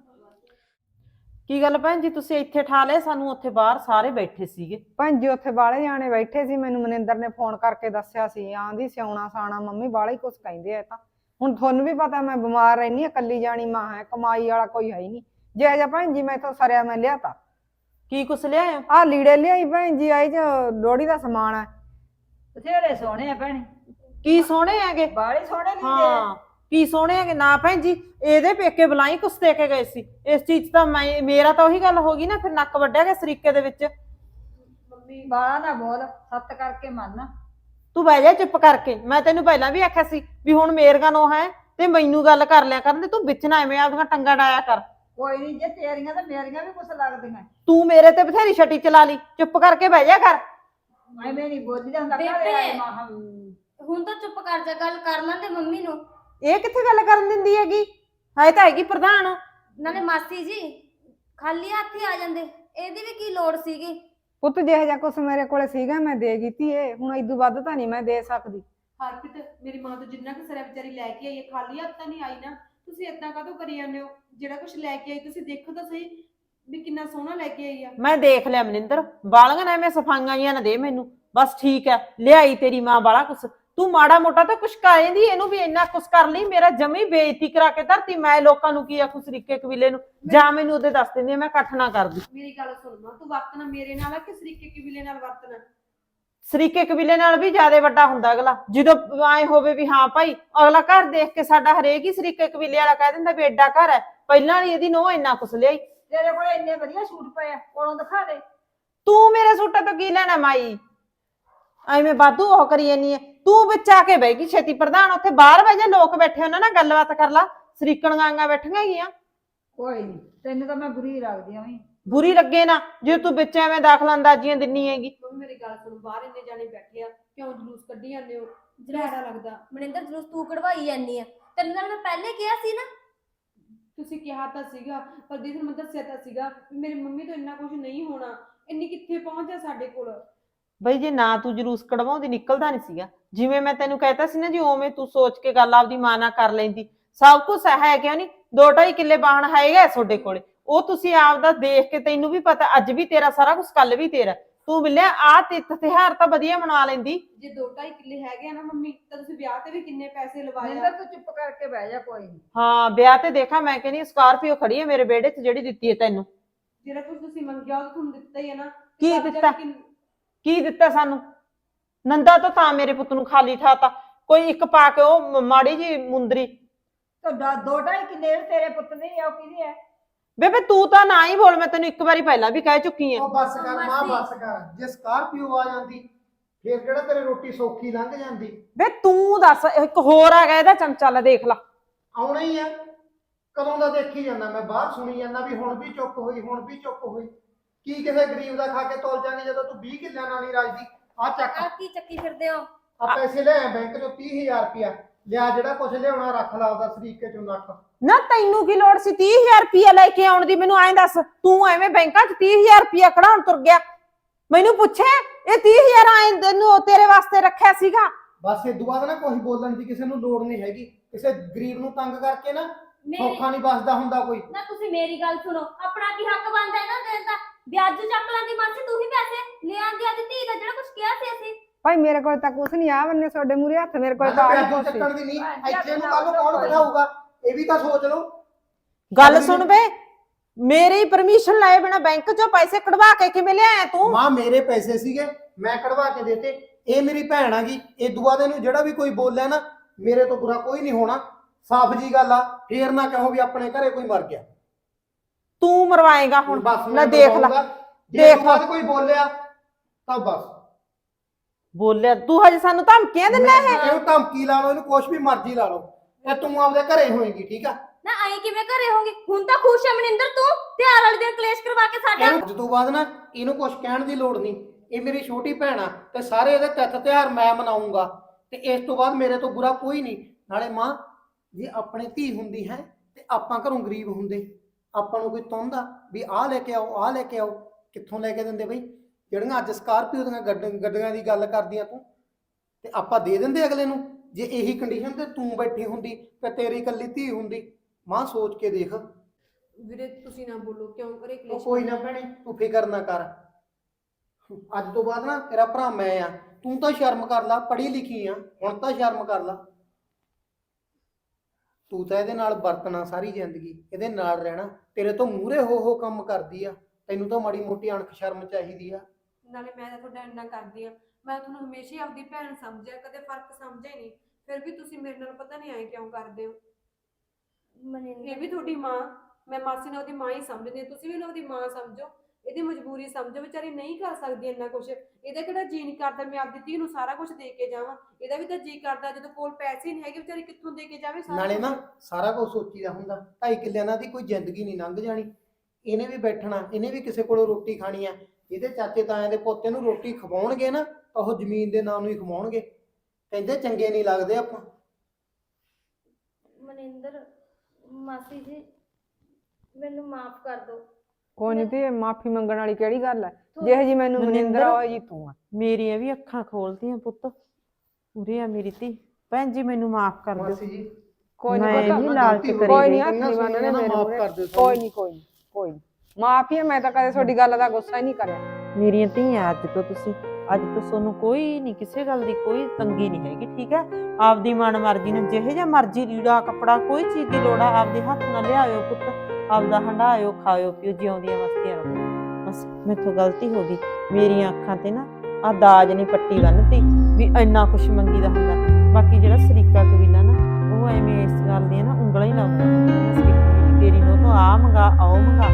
ਕੀ ਗੱਲ ਭੈਣ ਜੀ, ਤੁਸੀਂ ਇੱਥੇ ਠਾ ਲਏ, ਸਾਨੂੰ ਉੱਥੇ ਬਾਹਰ ਸਾਰੇ ਬੈਠੇ ਸੀਗੇ।
ਭੈਣ ਜੀ ਉੱਥੇ ਬਾਹਲੇ ਜਾਣੇ ਬੈਠੇ ਸੀ, ਮੈਨੂੰ ਮਨਿੰਦਰ ਨੇ ਫੋਨ ਕਰਕੇ ਦੱਸਿਆ ਸੀ, ਆਂਦੀ ਸਿਆਉਣਾ ਸਾਣਾ ਮੰਮੀ ਬਾਹਲਾ ਹੀ ਕੁਛ ਕਹਿੰਦੇ ਆ। ਤਾਂ ਹੁਣ ਤੁਹਾਨੂੰ ਵੀ ਪਤਾ ਮੈਂ ਬਿਮਾਰ ਰਹਿਨੀ ਆ, ਇਕੱਲੀ ਜਾਣੀ ਮਾਂ ਹੈ, ਕਮਾਈ ਵਾਲਾ ਕੋਈ ਹੈ ਹੀ ਨਹੀਂ। ਜੇ ਜਾ ਭੈਣ ਜੀ ਮੈਂ ਤਾਂ ਸਰਿਆ ਮੈਂ ਲਿਆਤਾ।
ਕੀ ਕੁਛ ਲਿਆਏ?
ਆ ਲੀੜੇ ਲਿਆਈ ਭੈਣ ਜੀ, ਆਈ ਚ ਲੋਹੜੀ ਦਾ ਸਮਾਨ ਹੈ।
ਬਥੇਰੇ ਸੋਹਣੇ ਆ ਭੈਣੇ,
ਕੀ ਸੋਹਣੇ ਹੈਗੇ?
ਬਾਹਲੇ ਸੋਹਣੇ ਲੀੜੇ ਆ।
ਹਾਂ ਕੀ ਸੋਹਣੇ ਹੈਗੇ ਨਾ ਭੈਣ ਜੀ, ਇਹਦੇ ਪੇਕੇ ਬੁਲਾਈ ਕੁਛ ਦੇ ਕੇ ਗਏ ਸੀ। ਇਸ ਚੀਜ਼ ਤਾਂ ਮੇਰਾ ਤਾਂ ਉਹੀ ਗੱਲ ਹੋ ਗਈ ਨਾ, ਫਿਰ ਨੱਕ ਵੱਢਿਆ ਗਿਆ ਸਰੀਕੇ ਦੇ ਵਿੱਚ।
ਬਾਹਲਾ ਨਾ ਬੋਲ, ਸੱਤ ਕਰਕੇ ਮੰਨ।
ਤੂੰ ਬਹਿ ਜਾ ਚੁੱਪ ਕਰਕੇ, ਮੈਂ ਤੈਨੂੰ ਪਹਿਲਾਂ ਵੀ ਆਖਿਆ ਸੀ ਵੀ ਹੁਣ ਮੇਰੀਆਂ ਨੋ ਹੈ ਤੇ ਮੈਨੂੰ ਗੱਲ ਕਰ ਲਿਆ ਕਰਨ, ਤੇ ਤੂੰ ਵਿੱਚ ਨਾ ਐਵੇਂ ਆਪਦੀਆਂ ਟੰਗਾ ਡਾਇਆ ਕਰ।
ਕੋਈ ਨਹੀਂ, ਜੇ ਤੇਰੀਆਂ ਤਾਂ ਮੇਰੀਆਂ ਵੀ ਕੁਛ ਲੱਗਦੀਆਂ।
ਤੂੰ ਮੇਰੇ ਤੇ ਬਥੇਰੀ ਛਟੀ ਚਲਾ ਲਈ, ਚੁੱਪ ਕਰਕੇ ਬਹਿ ਜਾ ਕਰ।
ਐਵੇਂ ਨਹੀਂ ਬੋਲੀ ਜਾਂਦਾ
ਬੇਬੇ।
ਘਰੇ ਆਏ ਮਾਂ।
ਹੁਣ ਤਾਂ ਚੁੱਪ ਕਰ ਜਾ, ਗੱਲ ਕਰ ਲੈਂਦੇ ਮੰਮੀ ਨੂੰ।
ਇਹ ਕਿੱਥੇ ਗੱਲ ਕਰਨ ਦਿੰਦੀ ਹੈਗੀ, ਹਾਏ ਤਾਂ ਹੈਗੀ ਪ੍ਰਧਾਨ।
ਨਾਲੇ ਮਾਸੀ ਜੀ ਖਾਲੀ ਹੱਥ ਹੀ ਆ ਜਾਂਦੇ, ਇਹਦੀ ਵੀ ਕੀ ਲੋੜ ਸੀਗੀ?
ਪੁੱਤ ਜਿਹੋ ਜਿਹਾ ਕੁਛ ਮੇਰੇ ਕੋਲੇ ਸੀਗਾ ਮੈਂ ਦੇ ਦਿੱਤੀ ਏ, ਹੁਣ ਇਦੋਂ ਵੱਧ ਤਾਂ ਨਹੀਂ ਮੈਂ ਦੇ ਸਕਦੀ।
ਹਰਪ੍ਰੀਤ, ਮੇਰੀ ਮਾਂ ਤੋਂ ਜਿੰਨਾ ਕੁ ਸਰਿਆ ਵਿਚਾਰੀ ਲੈ ਕੇ ਆਈ ਹੈ, ਖਾਲੀ ਹੱਥ ਤਾਂ ਨਹੀਂ ਆਈ ਨਾ। ਤੁਸੀਂ ਏਦਾਂ ਕਾਹਤੋਂ ਕਰੀ ਜਾਂਦੇ ਹੋ? ਜਿਹੜਾ ਕੁਝ ਲੈ ਕੇ ਆਈ ਤੁਸੀਂ ਦੇਖੋ ਤਾਂ ਸਹੀ ਵੀ ਕਿੰਨਾ ਸੋਹਣਾ ਲੈ ਕੇ ਆਈ ਆ।
ਮੈਂ ਦੇਖ ਲਿਆ ਮਨਿੰਦਰ, ਬਾਲੀਆਂ ਨਾ ਐਵੇਂ ਸਫਾਈਆਂ ਜੀਆਂ ਨਾ ਦੇ ਮੈਨੂੰ, ਬਸ ਠੀਕ ਹੈ। ਲਿਆਈ ਤੇਰੀ ਮਾਂ ਬਾਲਾ ਕੁਛ, ਤੂੰ ਮਾੜਾ ਮੋਟਾ ਤਾਂ ਕੁਛ ਕਹਿੰਦੀ, ਇਹਨੂੰ ਵੀ ਇੰਨਾ ਕੁਛ ਕਰ ਲਈ। ਮੇਰਾ ਜਮੀ ਬੇਇੱਜ਼ਤੀ ਕਰਾ ਕੇ ਧਰਤੀ। ਮੈਂ ਲੋਕਾਂ ਨੂੰ ਕੀ ਆਖੂ ਸਰੀਕੇ ਕਬੀਲੇ ਨੂੰ, ਜਾਂ ਮੈਨੂੰ ਉਹਦੇ ਦੱਸ ਦਿੰਦੀ ਮੈਂ ਇਕੱਠ ਨਾ ਕਰਦੀ।
ਮੇਰੀ ਗੱਲ ਸੁਣ ਮਾਂ, ਤੂੰ ਵਰਤਣਾ ਮੇਰੇ ਨਾਲ ਆ ਕਿ ਸਰੀਕੇ ਕਬੀਲੇ ਨਾਲ ਵਰਤਣਾ?
ਸਰੀਕੇ ਕਬੀਲੇ ਨਾਲ ਵੀ ਜ਼ਿਆਦਾ ਵੱਡਾ ਹੁੰਦਾ ਅਗਲਾ, ਜਦੋਂ ਐ ਹੋਵੇ ਵੀ ਹਾਂ ਭਾਈ ਅਗਲਾ ਘਰ ਦੇਖ ਕੇ ਸਾਡਾ ਹਰੇਕ ਹੀ ਸਰੀਕੇ ਕਬੀਲੇ ਵਾਲਾ ਕਹਿ ਦਿੰਦਾ ਵੀ ਐਡਾ ਘਰ ਹੈ। ਪਹਿਲਾਂ ਵਾਲੀ ਇਹਦੀ ਨੋਹ ਇੰਨਾ ਕੁਛ ਲਿਆਈ।
ਤੇਰੇ ਕੋਲ ਇੰਨੇ ਵਧੀਆ ਸੂਟ ਪਏ ਆ, ਕੋਲੋਂ ਦਿਖਾ ਦੇ।
ਤੂੰ ਮੇਰੇ ਸੂਟਾਂ ਤੋਂ ਕੀ ਲੈਣਾ ਮਾਈ, ਐਵੇਂ ਵਾਧੂ ਉਹ ਕਰੀ ਜਾਨੀ ਹੈ। ਤੂੰ ਵਿੱਚ ਆ ਕੇ ਬਹਿ ਗਈ ਛੇਤੀ। ਪ੍ਰਧਾਨ ਉੱਥੇ ਬਾਹਰ ਬਹਿ ਜਾ, ਲੋਕ ਬੈਠੇ ਉਹਨਾਂ ਨਾਲ ਗੱਲਬਾਤ ਕਰ ਲਾ। ਸਰੀਕਣਗਾਂਗਾ ਬੈਠੀਆਂ ਹੈਗੀਆਂ।
ਕੋਈ ਨਹੀਂ, ਤੈਨੂੰ ਤਾਂ ਮੈਂ ਬੁਰੀ ਲੱਗਦੀ ਆਂ ਵੀ।
ਬੁਰੀ ਲੱਗੇ ਨਾ ਜੇ ਤੂੰ ਵਿੱਚ ਐਵੇਂ ਦਾਖਲ ਅੰਦਾਜ਼ੀਆਂ ਦਿੰਨੀ ਹੈਗੀ।
ਮੰਮੀ ਮੇਰੀ ਗੱਲ ਸੁਣ, ਬਾਹਰ ਇੰਨੇ ਜਾਣੇ ਬੈਠੇ ਆ, ਕਿਉਂ ਜਲੂਸ ਕੱਢੀ ਜਾਂਦੇ ਹੋ? ਜਿਹੜਾ ਲੱਗਦਾ
ਮਨਿੰਦਰ ਜਲੂਸ ਤੂੰ ਕਢਵਾਈ ਜਾਂਦੀ ਆ, ਤੈਨੂੰ ਨਾਲ ਮੈਂ ਪਹਿਲੇ ਕਿਹਾ ਸੀ ਨਾ।
ਤੁਸੀਂ ਕਿਹਾ ਤਾਂ ਸੀਗਾ, ਪਰ ਦੀਦੀ ਨੂੰ ਮੈਂ ਦੱਸਿਆ ਤਾਂ ਸੀਗਾ ਵੀ ਮੇਰੀ ਮੰਮੀ ਤੋਂ ਇੰਨਾ ਕੁਝ ਨਹੀਂ ਹੋਣਾ। ਇੰਨੀ ਕਿੱਥੇ ਪਹੁੰਚ ਜਾ ਸਾਡੇ ਕੋਲ।
ਬਈ ਜੇ ਨਾ ਤੂੰ ਜਲੂਸ ਕਢਵਾਉਂਦੀ ਨਿਕਲਦਾ ਨਹੀਂ ਸੀਗਾ। ਜਿਵੇਂ ਮੈਂ ਤੈਨੂੰ ਕਹਿਤਾ ਸੀ ਨਾ ਜੀ, ਉਵੇਂ ਤੂੰ ਸੋਚ ਕੇ ਗੱਲ ਆਪਦੀ ਮਾਂ ਨਾਲ ਕਰ ਲੈਂਦੀ। ਸਭ ਕੁਝ ਹੈ ਕਿਉਂ ਨਹੀਂ? 2-2.5 ਕਿੱਲੇ ਬਾਹਣ ਹੈਗਾ ਤੁਹਾਡੇ ਕੋਲੇ, ਉਹ ਤੁਸੀਂ ਆਪਦਾ ਦੇਖ ਕੇ, ਤੈਨੂੰ ਵੀ ਪਤਾ ਅੱਜ ਵੀ ਤੇਰਾ ਸਾਰਾ ਕੁਝ ਕੱਲ ਵੀ ਤੇਰਾ। ਤੂੰ ਬਿੱਲਿਆ ਆ ਤਿੱਥ ਤਿਉਹਾਰ ਤਾਂ ਵਧੀਆ ਮਨਾ ਲੈਂਦੀ।
ਜੇ 2.5 ਕਿੱਲੇ ਹੈਗੇ ਆ ਨਾ ਮੰਮੀ ਤਾਂ ਤੁਸੀਂ ਵਿਆਹ ਤੇ ਵੀ ਕਿੰਨੇ ਪੈਸੇ ਲਵਾਏ ਆ।
ਮਨਿੰਦਰ ਤੂੰ ਚੁੱਪ ਕਰਕੇ ਬਹਿ ਜਾ ਕੋਈ ਨਹੀਂ।
ਹਾਂ ਵਿਆਹ ਤੇ ਦੇਖਾਂ ਮੈਂ ਕਹਿੰਦੀ ਸਕਾਰਪੀਓ ਖੜੀ ਹੈ ਮੇਰੇ ਵਿਹੜੇ 'ਚ ਜਿਹੜੀ ਦਿੱਤੀ ਹੈ ਤੈਨੂੰ।
ਜਿਹੜਾ ਕੁਝ ਤੁਸੀਂ ਮੰਗਿਆ ਉਹ ਤੁਹਾਨੂੰ ਦਿੱਤਾ ਹੀ ਹੈ ਨਾ।
ਕੀ
ਤਦ ਜਾ
ਦਿੱਤਾ?
ਕੇ
ਕੀ ਦਿੱਤਾ ਸਾਨੂੰ? ਨੰਦਾ ਤਾਂ ਮੇਰੇ ਪੁੱਤ ਨੂੰ ਖਾਲੀ ਠਾਤਾ, ਕੋਈ ਇੱਕ ਪਾ ਕੇ ਉਹ ਮਾੜੀ ਜੀ ਮੁੰਦਰੀ।
ਤਾਂ 2.5 ਕਿੱਲੇ ਤੇਰੇ ਪੁੱਤ ਦੇ ਆ, ਉਹ ਕਿਹਦੇ ਆ?
ਬੇਬੇ ਤੂੰ ਤਾਂ ਨਾ ਹੀ ਬੋਲ, ਮੈਂ ਤੈਨੂੰ ਇੱਕ ਵਾਰੀ ਪਹਿਲਾਂ ਵੀ ਕਹਿ ਚੁੱਕੀ ਆ।
ਉਹ ਬੱਸ ਕਰ ਮਾਂ, ਬੱਸ ਕਰ। ਜੇ ਸਕਾਰਪੀਓ ਆ ਜਾਂਦੀ ਫੇਰ ਕਿਹੜਾ ਤੇਰੀ ਰੋਟੀ ਸੌਖੀ ਲੰਘ ਜਾਂਦੀ।
ਬੇ ਤੂੰ ਦੱਸ, ਇੱਕ ਹੋਰ ਆ ਗਿਆ ਇਹਦਾ ਚਮਚਾ, ਲੈ ਦੇਖ ਲਾ।
ਆਉਣਾ ਹੀ ਆ, ਕਦੋਂ ਦਾ ਦੇਖੀ ਜਾਂਦਾ ਮੈਂ, ਬਾਹਰ ਸੁਣੀ ਜਾਂਦਾ ਵੀ ਹੁਣ ਵੀ ਚੁੱਪ ਹੋਈ, ਹੁਣ ਵੀ ਚੁੱਪ ਹੋਈ। ਕੀ ਕਿਸੇ ਗਰੀਬ ਦਾ ਖਾ ਕੇ ਤੋਲ ਜਾਣੀ ਜਦੋਂ ਤੂੰ 20 ਕਿੱਲਿਆਂ ਨਾਲ ਨਹੀਂ ਰਾਜਦੀ। ਆ ਚੱਕ,
ਆ ਕੀ ਚੱਕੀ ਫਿਰਦੇ ਹੋ?
ਆ ਪੈਸੇ ਲੈ ਆ ਬੈਂਕ ਚੋਂ 30,000 ਰੁਪਇਆ ਲਿਆ, ਜਿਹੜਾ ਕੁਛ ਲਿਆਉਣਾ ਰੱਖ ਲਾ ਉਹਦਾ ਸਰੀਕੇ ਚੋਂ ਨੱਕ।
ਨਾ ਤੈਨੂੰ ਕੀ ਲੋੜ ਸੀ 30,000 ਰੁਪਇਆ ਲੈ ਕੇ ਆਉਣ ਦੀ? ਮੈਨੂੰ ਐਂ ਦੱਸ, ਤੂੰ ਐਵੇਂ ਬੈਂਕਾਂ 'ਚ 30,000 ਰੁਪਇਆ ਕਢਾਉਣ ਤੁਰ ਗਿਆ? ਮੈਨੂੰ ਪੁੱਛੇ ਇਹ 30,000 ਆਏ ਤੈਨੂੰ ਤੇਰੇ ਵਾਸਤੇ ਰੱਖਿਆ ਸੀਗਾ?
ਬਸ ਇਹ ਬਾਅਦ ਨਾ ਕੋਈ ਬੋਲਣ ਦੀ ਕਿਸੇ ਨੂੰ ਲੋੜ ਨਹੀਂ ਹੈਗੀ। ਕਿਸੇ ਗਰੀਬ ਨੂੰ ਤੰਗ ਕਰਕੇ ਨਾ ਸੌਖਾ ਨਹੀਂ ਬਸਦਾ ਹੁੰਦਾ ਕੋਈ।
ਨਾ ਤੁਸੀਂ ਮੇਰੀ ਗੱਲ ਸੁਣੋ, ਆਪਣਾ ਕੀ ਹੱਕ ਬਣਦਾ ਹੈ ਨਾ ਦੇਣ ਦਾ? ਵਿਆਜੂ ਚੱਕ ਲਾਂਦੀ ਮਾਸੀ, ਤੂੰ ਹੀ ਪੈਸੇ ਲੈ ਆਂਦੀ ਆਦੀ ਧੀ ਦਾ ਜਿਹੜਾ ਕੁਝ ਕਿਹਾ ਸੀ ਅਸੀਂ।
ਭਾਈ ਮੇਰੇ ਕੋਲ ਤਾਂ ਕੁਛ ਨਹੀਂ ਆ ਬੰਨੇ ਤੁਹਾਡੇ ਮੂਰੇ ਹੱਥ, ਮੇਰੇ ਕੋਲ ਤਾਂ ਆਹੀ
ਵਿਆਜੂ
ਕੁਛ ਸੀ।
ਚੱਕਣ ਦੀ ਨਹੀਂ, ਇੱਥੇ ਨੂੰ ਕੱਲ ਨੂੰ ਕੌਣ ਬਿਠਾਊਗਾ ਇਹ ਵੀ ਤਾਂ ਸੋਚ ਲਓ।
ਗੱਲ ਸੁਣ ਬੇ, ਮੇਰੀ ਪਰਮਿਸ਼ਨ ਲਏ ਬਿਨਾ ਬੈਂਕ 'ਚੋਂ ਪੈਸੇ ਕਢਵਾ ਕੇ ਕਿਵੇਂ ਲਿਆਇਆ ਤੂੰ?
ਮਾਂ ਮੇਰੇ ਪੈਸੇ ਸੀਗੇ, ਮੈਂ ਕਢਵਾ ਕੇ ਦੇਤੇ। ਇਹ ਮੇਰੀ ਭੈਣ ਆ ਗਈ, ਇਹ ਦੁਆ ਦੇ ਨੂੰ ਜਿਹੜਾ ਵੀ ਕੋਈ ਬੋਲਿਆ ਨਾ ਮੇਰੇ ਤੋਂ ਬੁਰਾ ਕੋਈ ਨਹੀਂ ਹੋਣਾ। ਸਾਫ਼ ਜੀ ਗੱਲ ਆ, ਫੇਰ ਨਾ ਕਹੋ ਵੀ ਆਪਣੇ ਘਰੇ ਕੋਈ ਮਰ ਗਿਆ।
ਤੂੰ ਮਰਵਾਏਗਾ ਹੁਣ?
ਬਸ
ਲੈ ਦੇਖ ਲੈ,
ਜੇ
ਦੇਖ
ਦੁਆ ਦੇ ਕੋਈ ਬੋਲਿਆ ਤਾਂ ਬਸ
ਬੋਲਿਆ ਤੂੰ ਹਜੇ ਸਾਨੂੰ ਧਮਕੀਆਂ ਦਿੰਦਾ ਹੈ?
ਇਹਨੂੰ ਧਮਕੀ ਲਾ ਲਓ, ਇਹਨੂੰ ਕੁਛ ਵੀ ਮਰਜ਼ੀ ਲਾ ਲਓ, ਤੇ ਤੂੰ ਆਪਦੇ ਘਰੇ ਹੋਏਗੀ, ਠੀਕ ਆ?
ਨਾ ਆਈ ਕਿਵੇਂ ਘਰੇ ਹੋਗੀ? ਹੁਣ ਤਾਂ ਖੁਸ਼ ਹੈ ਮਨਿੰਦਰ ਤੂੰ, ਤਿਉਹਾਰ ਵਾਲੇ ਦਿਨ ਕਲੇਸ਼ ਕਰਵਾ ਕੇ ਸਾਡਾ।
ਇਹਨੂੰ ਅੱਜ ਤੋਂ ਬਾਅਦ ਨਾ ਇਹਨੂੰ ਕੁਛ ਕਹਿਣ ਦੀ ਲੋੜ ਨਹੀਂ। ਇਹ ਮੇਰੀ ਛੋਟੀ ਭੈਣ ਆ ਤੇ ਸਾਰੇ ਇਹਦੇ ਤਿੱਥ ਤਿਉਹਾਰ ਮੈਂ ਮਨਾਉਂਗਾ, ਤੇ ਇਸ ਤੋਂ ਬਾਅਦ ਮੇਰੇ ਤੋਂ ਬੁਰਾ ਕੋਈ ਨਹੀਂ। ਨਾਲੇ ਮਾਂ, ਜੇ ਆਪਣੇ ਧੀ ਹੁੰਦੀ ਹੈ ਤੇ ਆਪਾਂ ਘਰੋਂ ਗਰੀਬ ਹੁੰਦੇ, ਆਪਾਂ ਨੂੰ ਕੋਈ ਤੁੰਦਾ ਵੀ ਆਹ ਲੈ ਕੇ ਆਓ, ਆਹ ਲੈ ਕੇ ਆਓ, ਕਿੱਥੋਂ ਲੈ ਕੇ ਦਿੰਦੇ ਬਈ? ਜਿਹੜੀਆਂ ਅੱਜ ਸਕਾਰਪੀਓ ਦੀਆਂ ਗੱਡੀਆਂ ਦੀ ਗੱਲ ਕਰਦੀਆਂ ਤੂੰ, ਤੇ ਆਪਾਂ ਦੇ ਦਿੰਦੇ ਅਗਲੇ ਨੂੰ। ਜੇ ਇਹੀ ਕੰਡੀਸ਼ਨ ਤੇ ਤੂੰ ਬੈਠੀ ਹੁੰਦੀ ਤੇ ਤੇਰੀ ਇਕੱਲੀ ਧੀ ਹੁੰਦੀ, ਮਾਂ ਸੋਚ ਕੇ ਦੇਖ।
ਵੀਰੇ ਤੁਸੀਂ ਨਾ ਬੋਲੋ, ਕਿਉਂ ਕਰੇ
ਉਹ
ਕਲੇਸ਼?
ਕੋਈ ਨਾ ਭੈਣੇ, ਤੂੰ ਫਿਕਰ ਨਾ ਕਰ। ਅੱਜ ਤੋਂ ਬਾਅਦ ਨਾ ਤੇਰਾ ਭਰਾ ਮੈਂ ਆ, ਤੂੰ ਤਾਂ ਸ਼ਰਮ ਕਰ ਲਾ, ਪੜ੍ਹੀ ਲਿਖੀ ਆ, ਹੁਣ ਤਾਂ ਸ਼ਰਮ ਕਰ ਲਾ। ਤੂੰ ਤਾਂ ਇਹਦੇ ਨਾਲ ਵਰਤਣਾ ਸਾਰੀ ਜ਼ਿੰਦਗੀ, ਇਹਦੇ ਨਾਲ ਰਹਿਣਾ। ਤੇਰੇ ਤੋਂ ਮੂਹਰੇ ਹੋ ਕੰਮ ਕਰਦੀ ਆ, ਤੈਨੂੰ ਤਾਂ ਮਾੜੀ ਮੋਟੀ ਅਣਖ ਸ਼ਰਮ ਚਾਹੀਦੀ ਆ।
ਨਾਲੇ ਮੈਂ ਤਾਂ ਤੁਹਾਡਾ ਇੰਨਾ ਕਰਦੀ ਆ, ਮੈਂ ਤੁਹਾਨੂੰ ਹਮੇਸ਼ਾ ਹੀ ਆਪਦੀ ਭੈਣ ਸਮਝਿਆ, ਕਦੇ ਫਰਕ ਸਮਝਿਆ ਹੀ ਨਹੀਂ। ਫਿਰ ਵੀ ਤੁਸੀਂ ਮੇਰੇ ਨਾਲ ਪਤਾ ਨਹੀਂ ਆਏ ਕਿਉਂ ਕਰਦੇ ਹੋ। ਇਹ ਵੀ ਤੁਹਾਡੀ ਮਾਂ, ਮੈਂ ਮਾਸੀ ਨੂੰ ਉਹਦੀ ਮਾਂ ਹੀ ਸਮਝਦੀ ਹਾਂ, ਤੁਸੀਂ ਵੀ ਉਹਨੂੰ ਉਹਦੀ ਮਾਂ ਸਮਝੋ। ਇਹਦੀ ਮਜਬੂਰੀ ਸਮਝੋ, ਵਿਚਾਰੀ ਨਹੀਂ ਕਰ ਸਕਦੀ ਇੰਨਾ ਕੁਛ। ਇਹਦਾ ਕਿਹੜਾ ਜੀ ਨਹੀਂ ਕਰਦਾ ਮੈਂ ਆਪਦੀ ਧੀ ਨੂੰ ਸਾਰਾ ਕੁਝ ਦੇ ਕੇ ਜਾਵਾਂ? ਇਹਦਾ ਵੀ ਤਾਂ ਜੀ ਕਰਦਾ, ਜਦੋਂ ਕੋਲ ਪੈਸੇ ਨਹੀਂ ਹੈਗੇ ਵਿਚਾਰੀ ਕਿੱਥੋਂ ਦੇ ਕੇ ਜਾਵੇ ਸਾਰਾ
ਨਾਲੇ ਨਾ
ਕੁਛ?
ਸਾਰਾ ਕੁਝ ਸੋਚੀਦਾ ਹੁੰਦਾ। 2.5 ਕਿੱਲਿਆਂ ਨਾਲ ਦੀ ਕੋਈ ਜ਼ਿੰਦਗੀ ਨਹੀਂ ਲੰਘ ਜਾਣੀ। ਇਹਨੇ ਵੀ ਬੈਠਣਾ, ਇਹਨੇ ਵੀ ਕਿਸੇ ਕੋਲੋਂ ਰੋਟੀ ਖਾਣੀ ਆ। ਇਹਦੇ ਚਾਚੇ ਤਾਇਆਂ ਦੇ ਪੋਤੇ ਨੂੰ ਰੋਟੀ ਖਵਾਉਣਗੇ ਨਾ ਤਾਂ ਉਹ ਜ਼ਮੀਨ ਦੇ ਨਾਂ ਨੂੰ ਹੀ ਖਵਾਉਣਗੇ। ਕਹਿੰਦੇ ਚੰਗੇ ਨਹੀਂ ਲੱਗਦੇ ਆਪਾਂ।
ਮਨਿੰਦਰ ਮਾਸੀ ਜੀ, ਮੈਨੂੰ ਮਾਫ ਕਰ ਦਿਓ।
ਕੋਈ ਨਹੀਂ ਤੇ ਮਾਫੀ ਮੰਗਣ ਵਾਲੀ ਕਿਹੜੀ ਗੱਲ ਹੈ? ਜਿਹੋ ਜੀ ਮੈਨੂੰ ਮਨਿੰਦਰ ਆ ਉਹ ਜੀ ਤੂੰ ਆ।
ਮੇਰੀਆਂ ਵੀ ਅੱਖਾਂ ਖੋਲਦੀਆਂ ਪੁੱਤ, ਉਰੇ ਆ ਮੇਰੀ ਧੀ। ਭੈਣ ਜੀ ਮੈਨੂੰ ਮਾਫ ਕਰ ਦਿਓ।
ਮਾਸੀ ਜੀ
ਕੋਈ
ਮੈਂ
ਨਹੀਂ
ਨਹੀਂ ਲਾਲਚ ਕਰੀ
ਕੋਈ
ਗਈ।
ਨਹੀਂ ਹੱਥ ਨਹੀਂ ਬੰਨਣੇ ਮੇਰੇ
ਮਾਫ
ਮੂਹਰੇ।
ਕਰ ਦਿਓ।
ਕੋਈ ਨਹੀਂ ਕੋਈ ਨਹੀਂ ਕੋਈ ਨਹੀਂ ਮਾਫੀ ਹੈ, ਮੈਂ ਤਾਂ ਕਦੇ ਤੁਹਾਡੀ ਗੱਲ ਦਾ ਗੁੱਸਾ ਹੀ ਨਹੀਂ ਕਰਿਆ।
ਮੇਰੀਆਂ ਧੀਆਂ ਅੱਜ ਤੋਂ ਤੁਸੀਂ, ਅੱਜ ਤੋਂ ਤੁਹਾਨੂੰ ਕੋਈ ਨਹੀਂ, ਕਿਸੇ ਗੱਲ ਦੀ ਕੋਈ ਤੰਗੀ ਨਹੀਂ ਹੈਗੀ, ਠੀਕ ਹੈ? ਆਪਦੀ ਮਨ ਮਰਜ਼ੀ ਨਾਲ ਜਿਹੇ ਜਿਹਾ ਮਰਜ਼ੀ ਲੀੜਾ ਕੱਪੜਾ ਕੋਈ ਚੀਜ਼ ਦੀ ਲੋੜ ਆ ਆਪਦੇ ਹੱਥ ਨਾਲ ਲਿਆਇਓ ਪੁੱਤ, ਆਪਦਾ ਹੰਡਾਇਓ, ਖਾਇਓ ਪੀਓ, ਜਿਉਂਦੀਆਂ ਵਸਤੀਆਂ ਰਹੋ। ਬਸ ਮੈਥੋਂ ਗਲਤੀ ਹੋ ਗਈ, ਮੇਰੀਆਂ ਅੱਖਾਂ ਤੇ ਨਾ ਆ ਦਾਜ ਨਹੀਂ ਪੱਟੀ ਬੰਨ੍ਹਤੀ ਵੀ ਇੰਨਾ ਕੁਛ ਮੰਗੀਦਾ ਹੁੰਦਾ। ਬਾਕੀ ਜਿਹੜਾ ਸਰੀਕਾ ਕਬੀਲਾ ਨਾ, ਉਹ ਐਵੇਂ ਇਸ ਗੱਲ ਦੀਆਂ ਨਾ ਉਂਗਲਾਂ ਹੀ ਲਾਉਂਦਾ ਹੁੰਦਾ, ਸਰੀਕੇ ਤੇਰੀ ਨੂੰ ਤੋਂ ਆ ਮੰਗਾ, ਆਓ ਮੰਗਾ,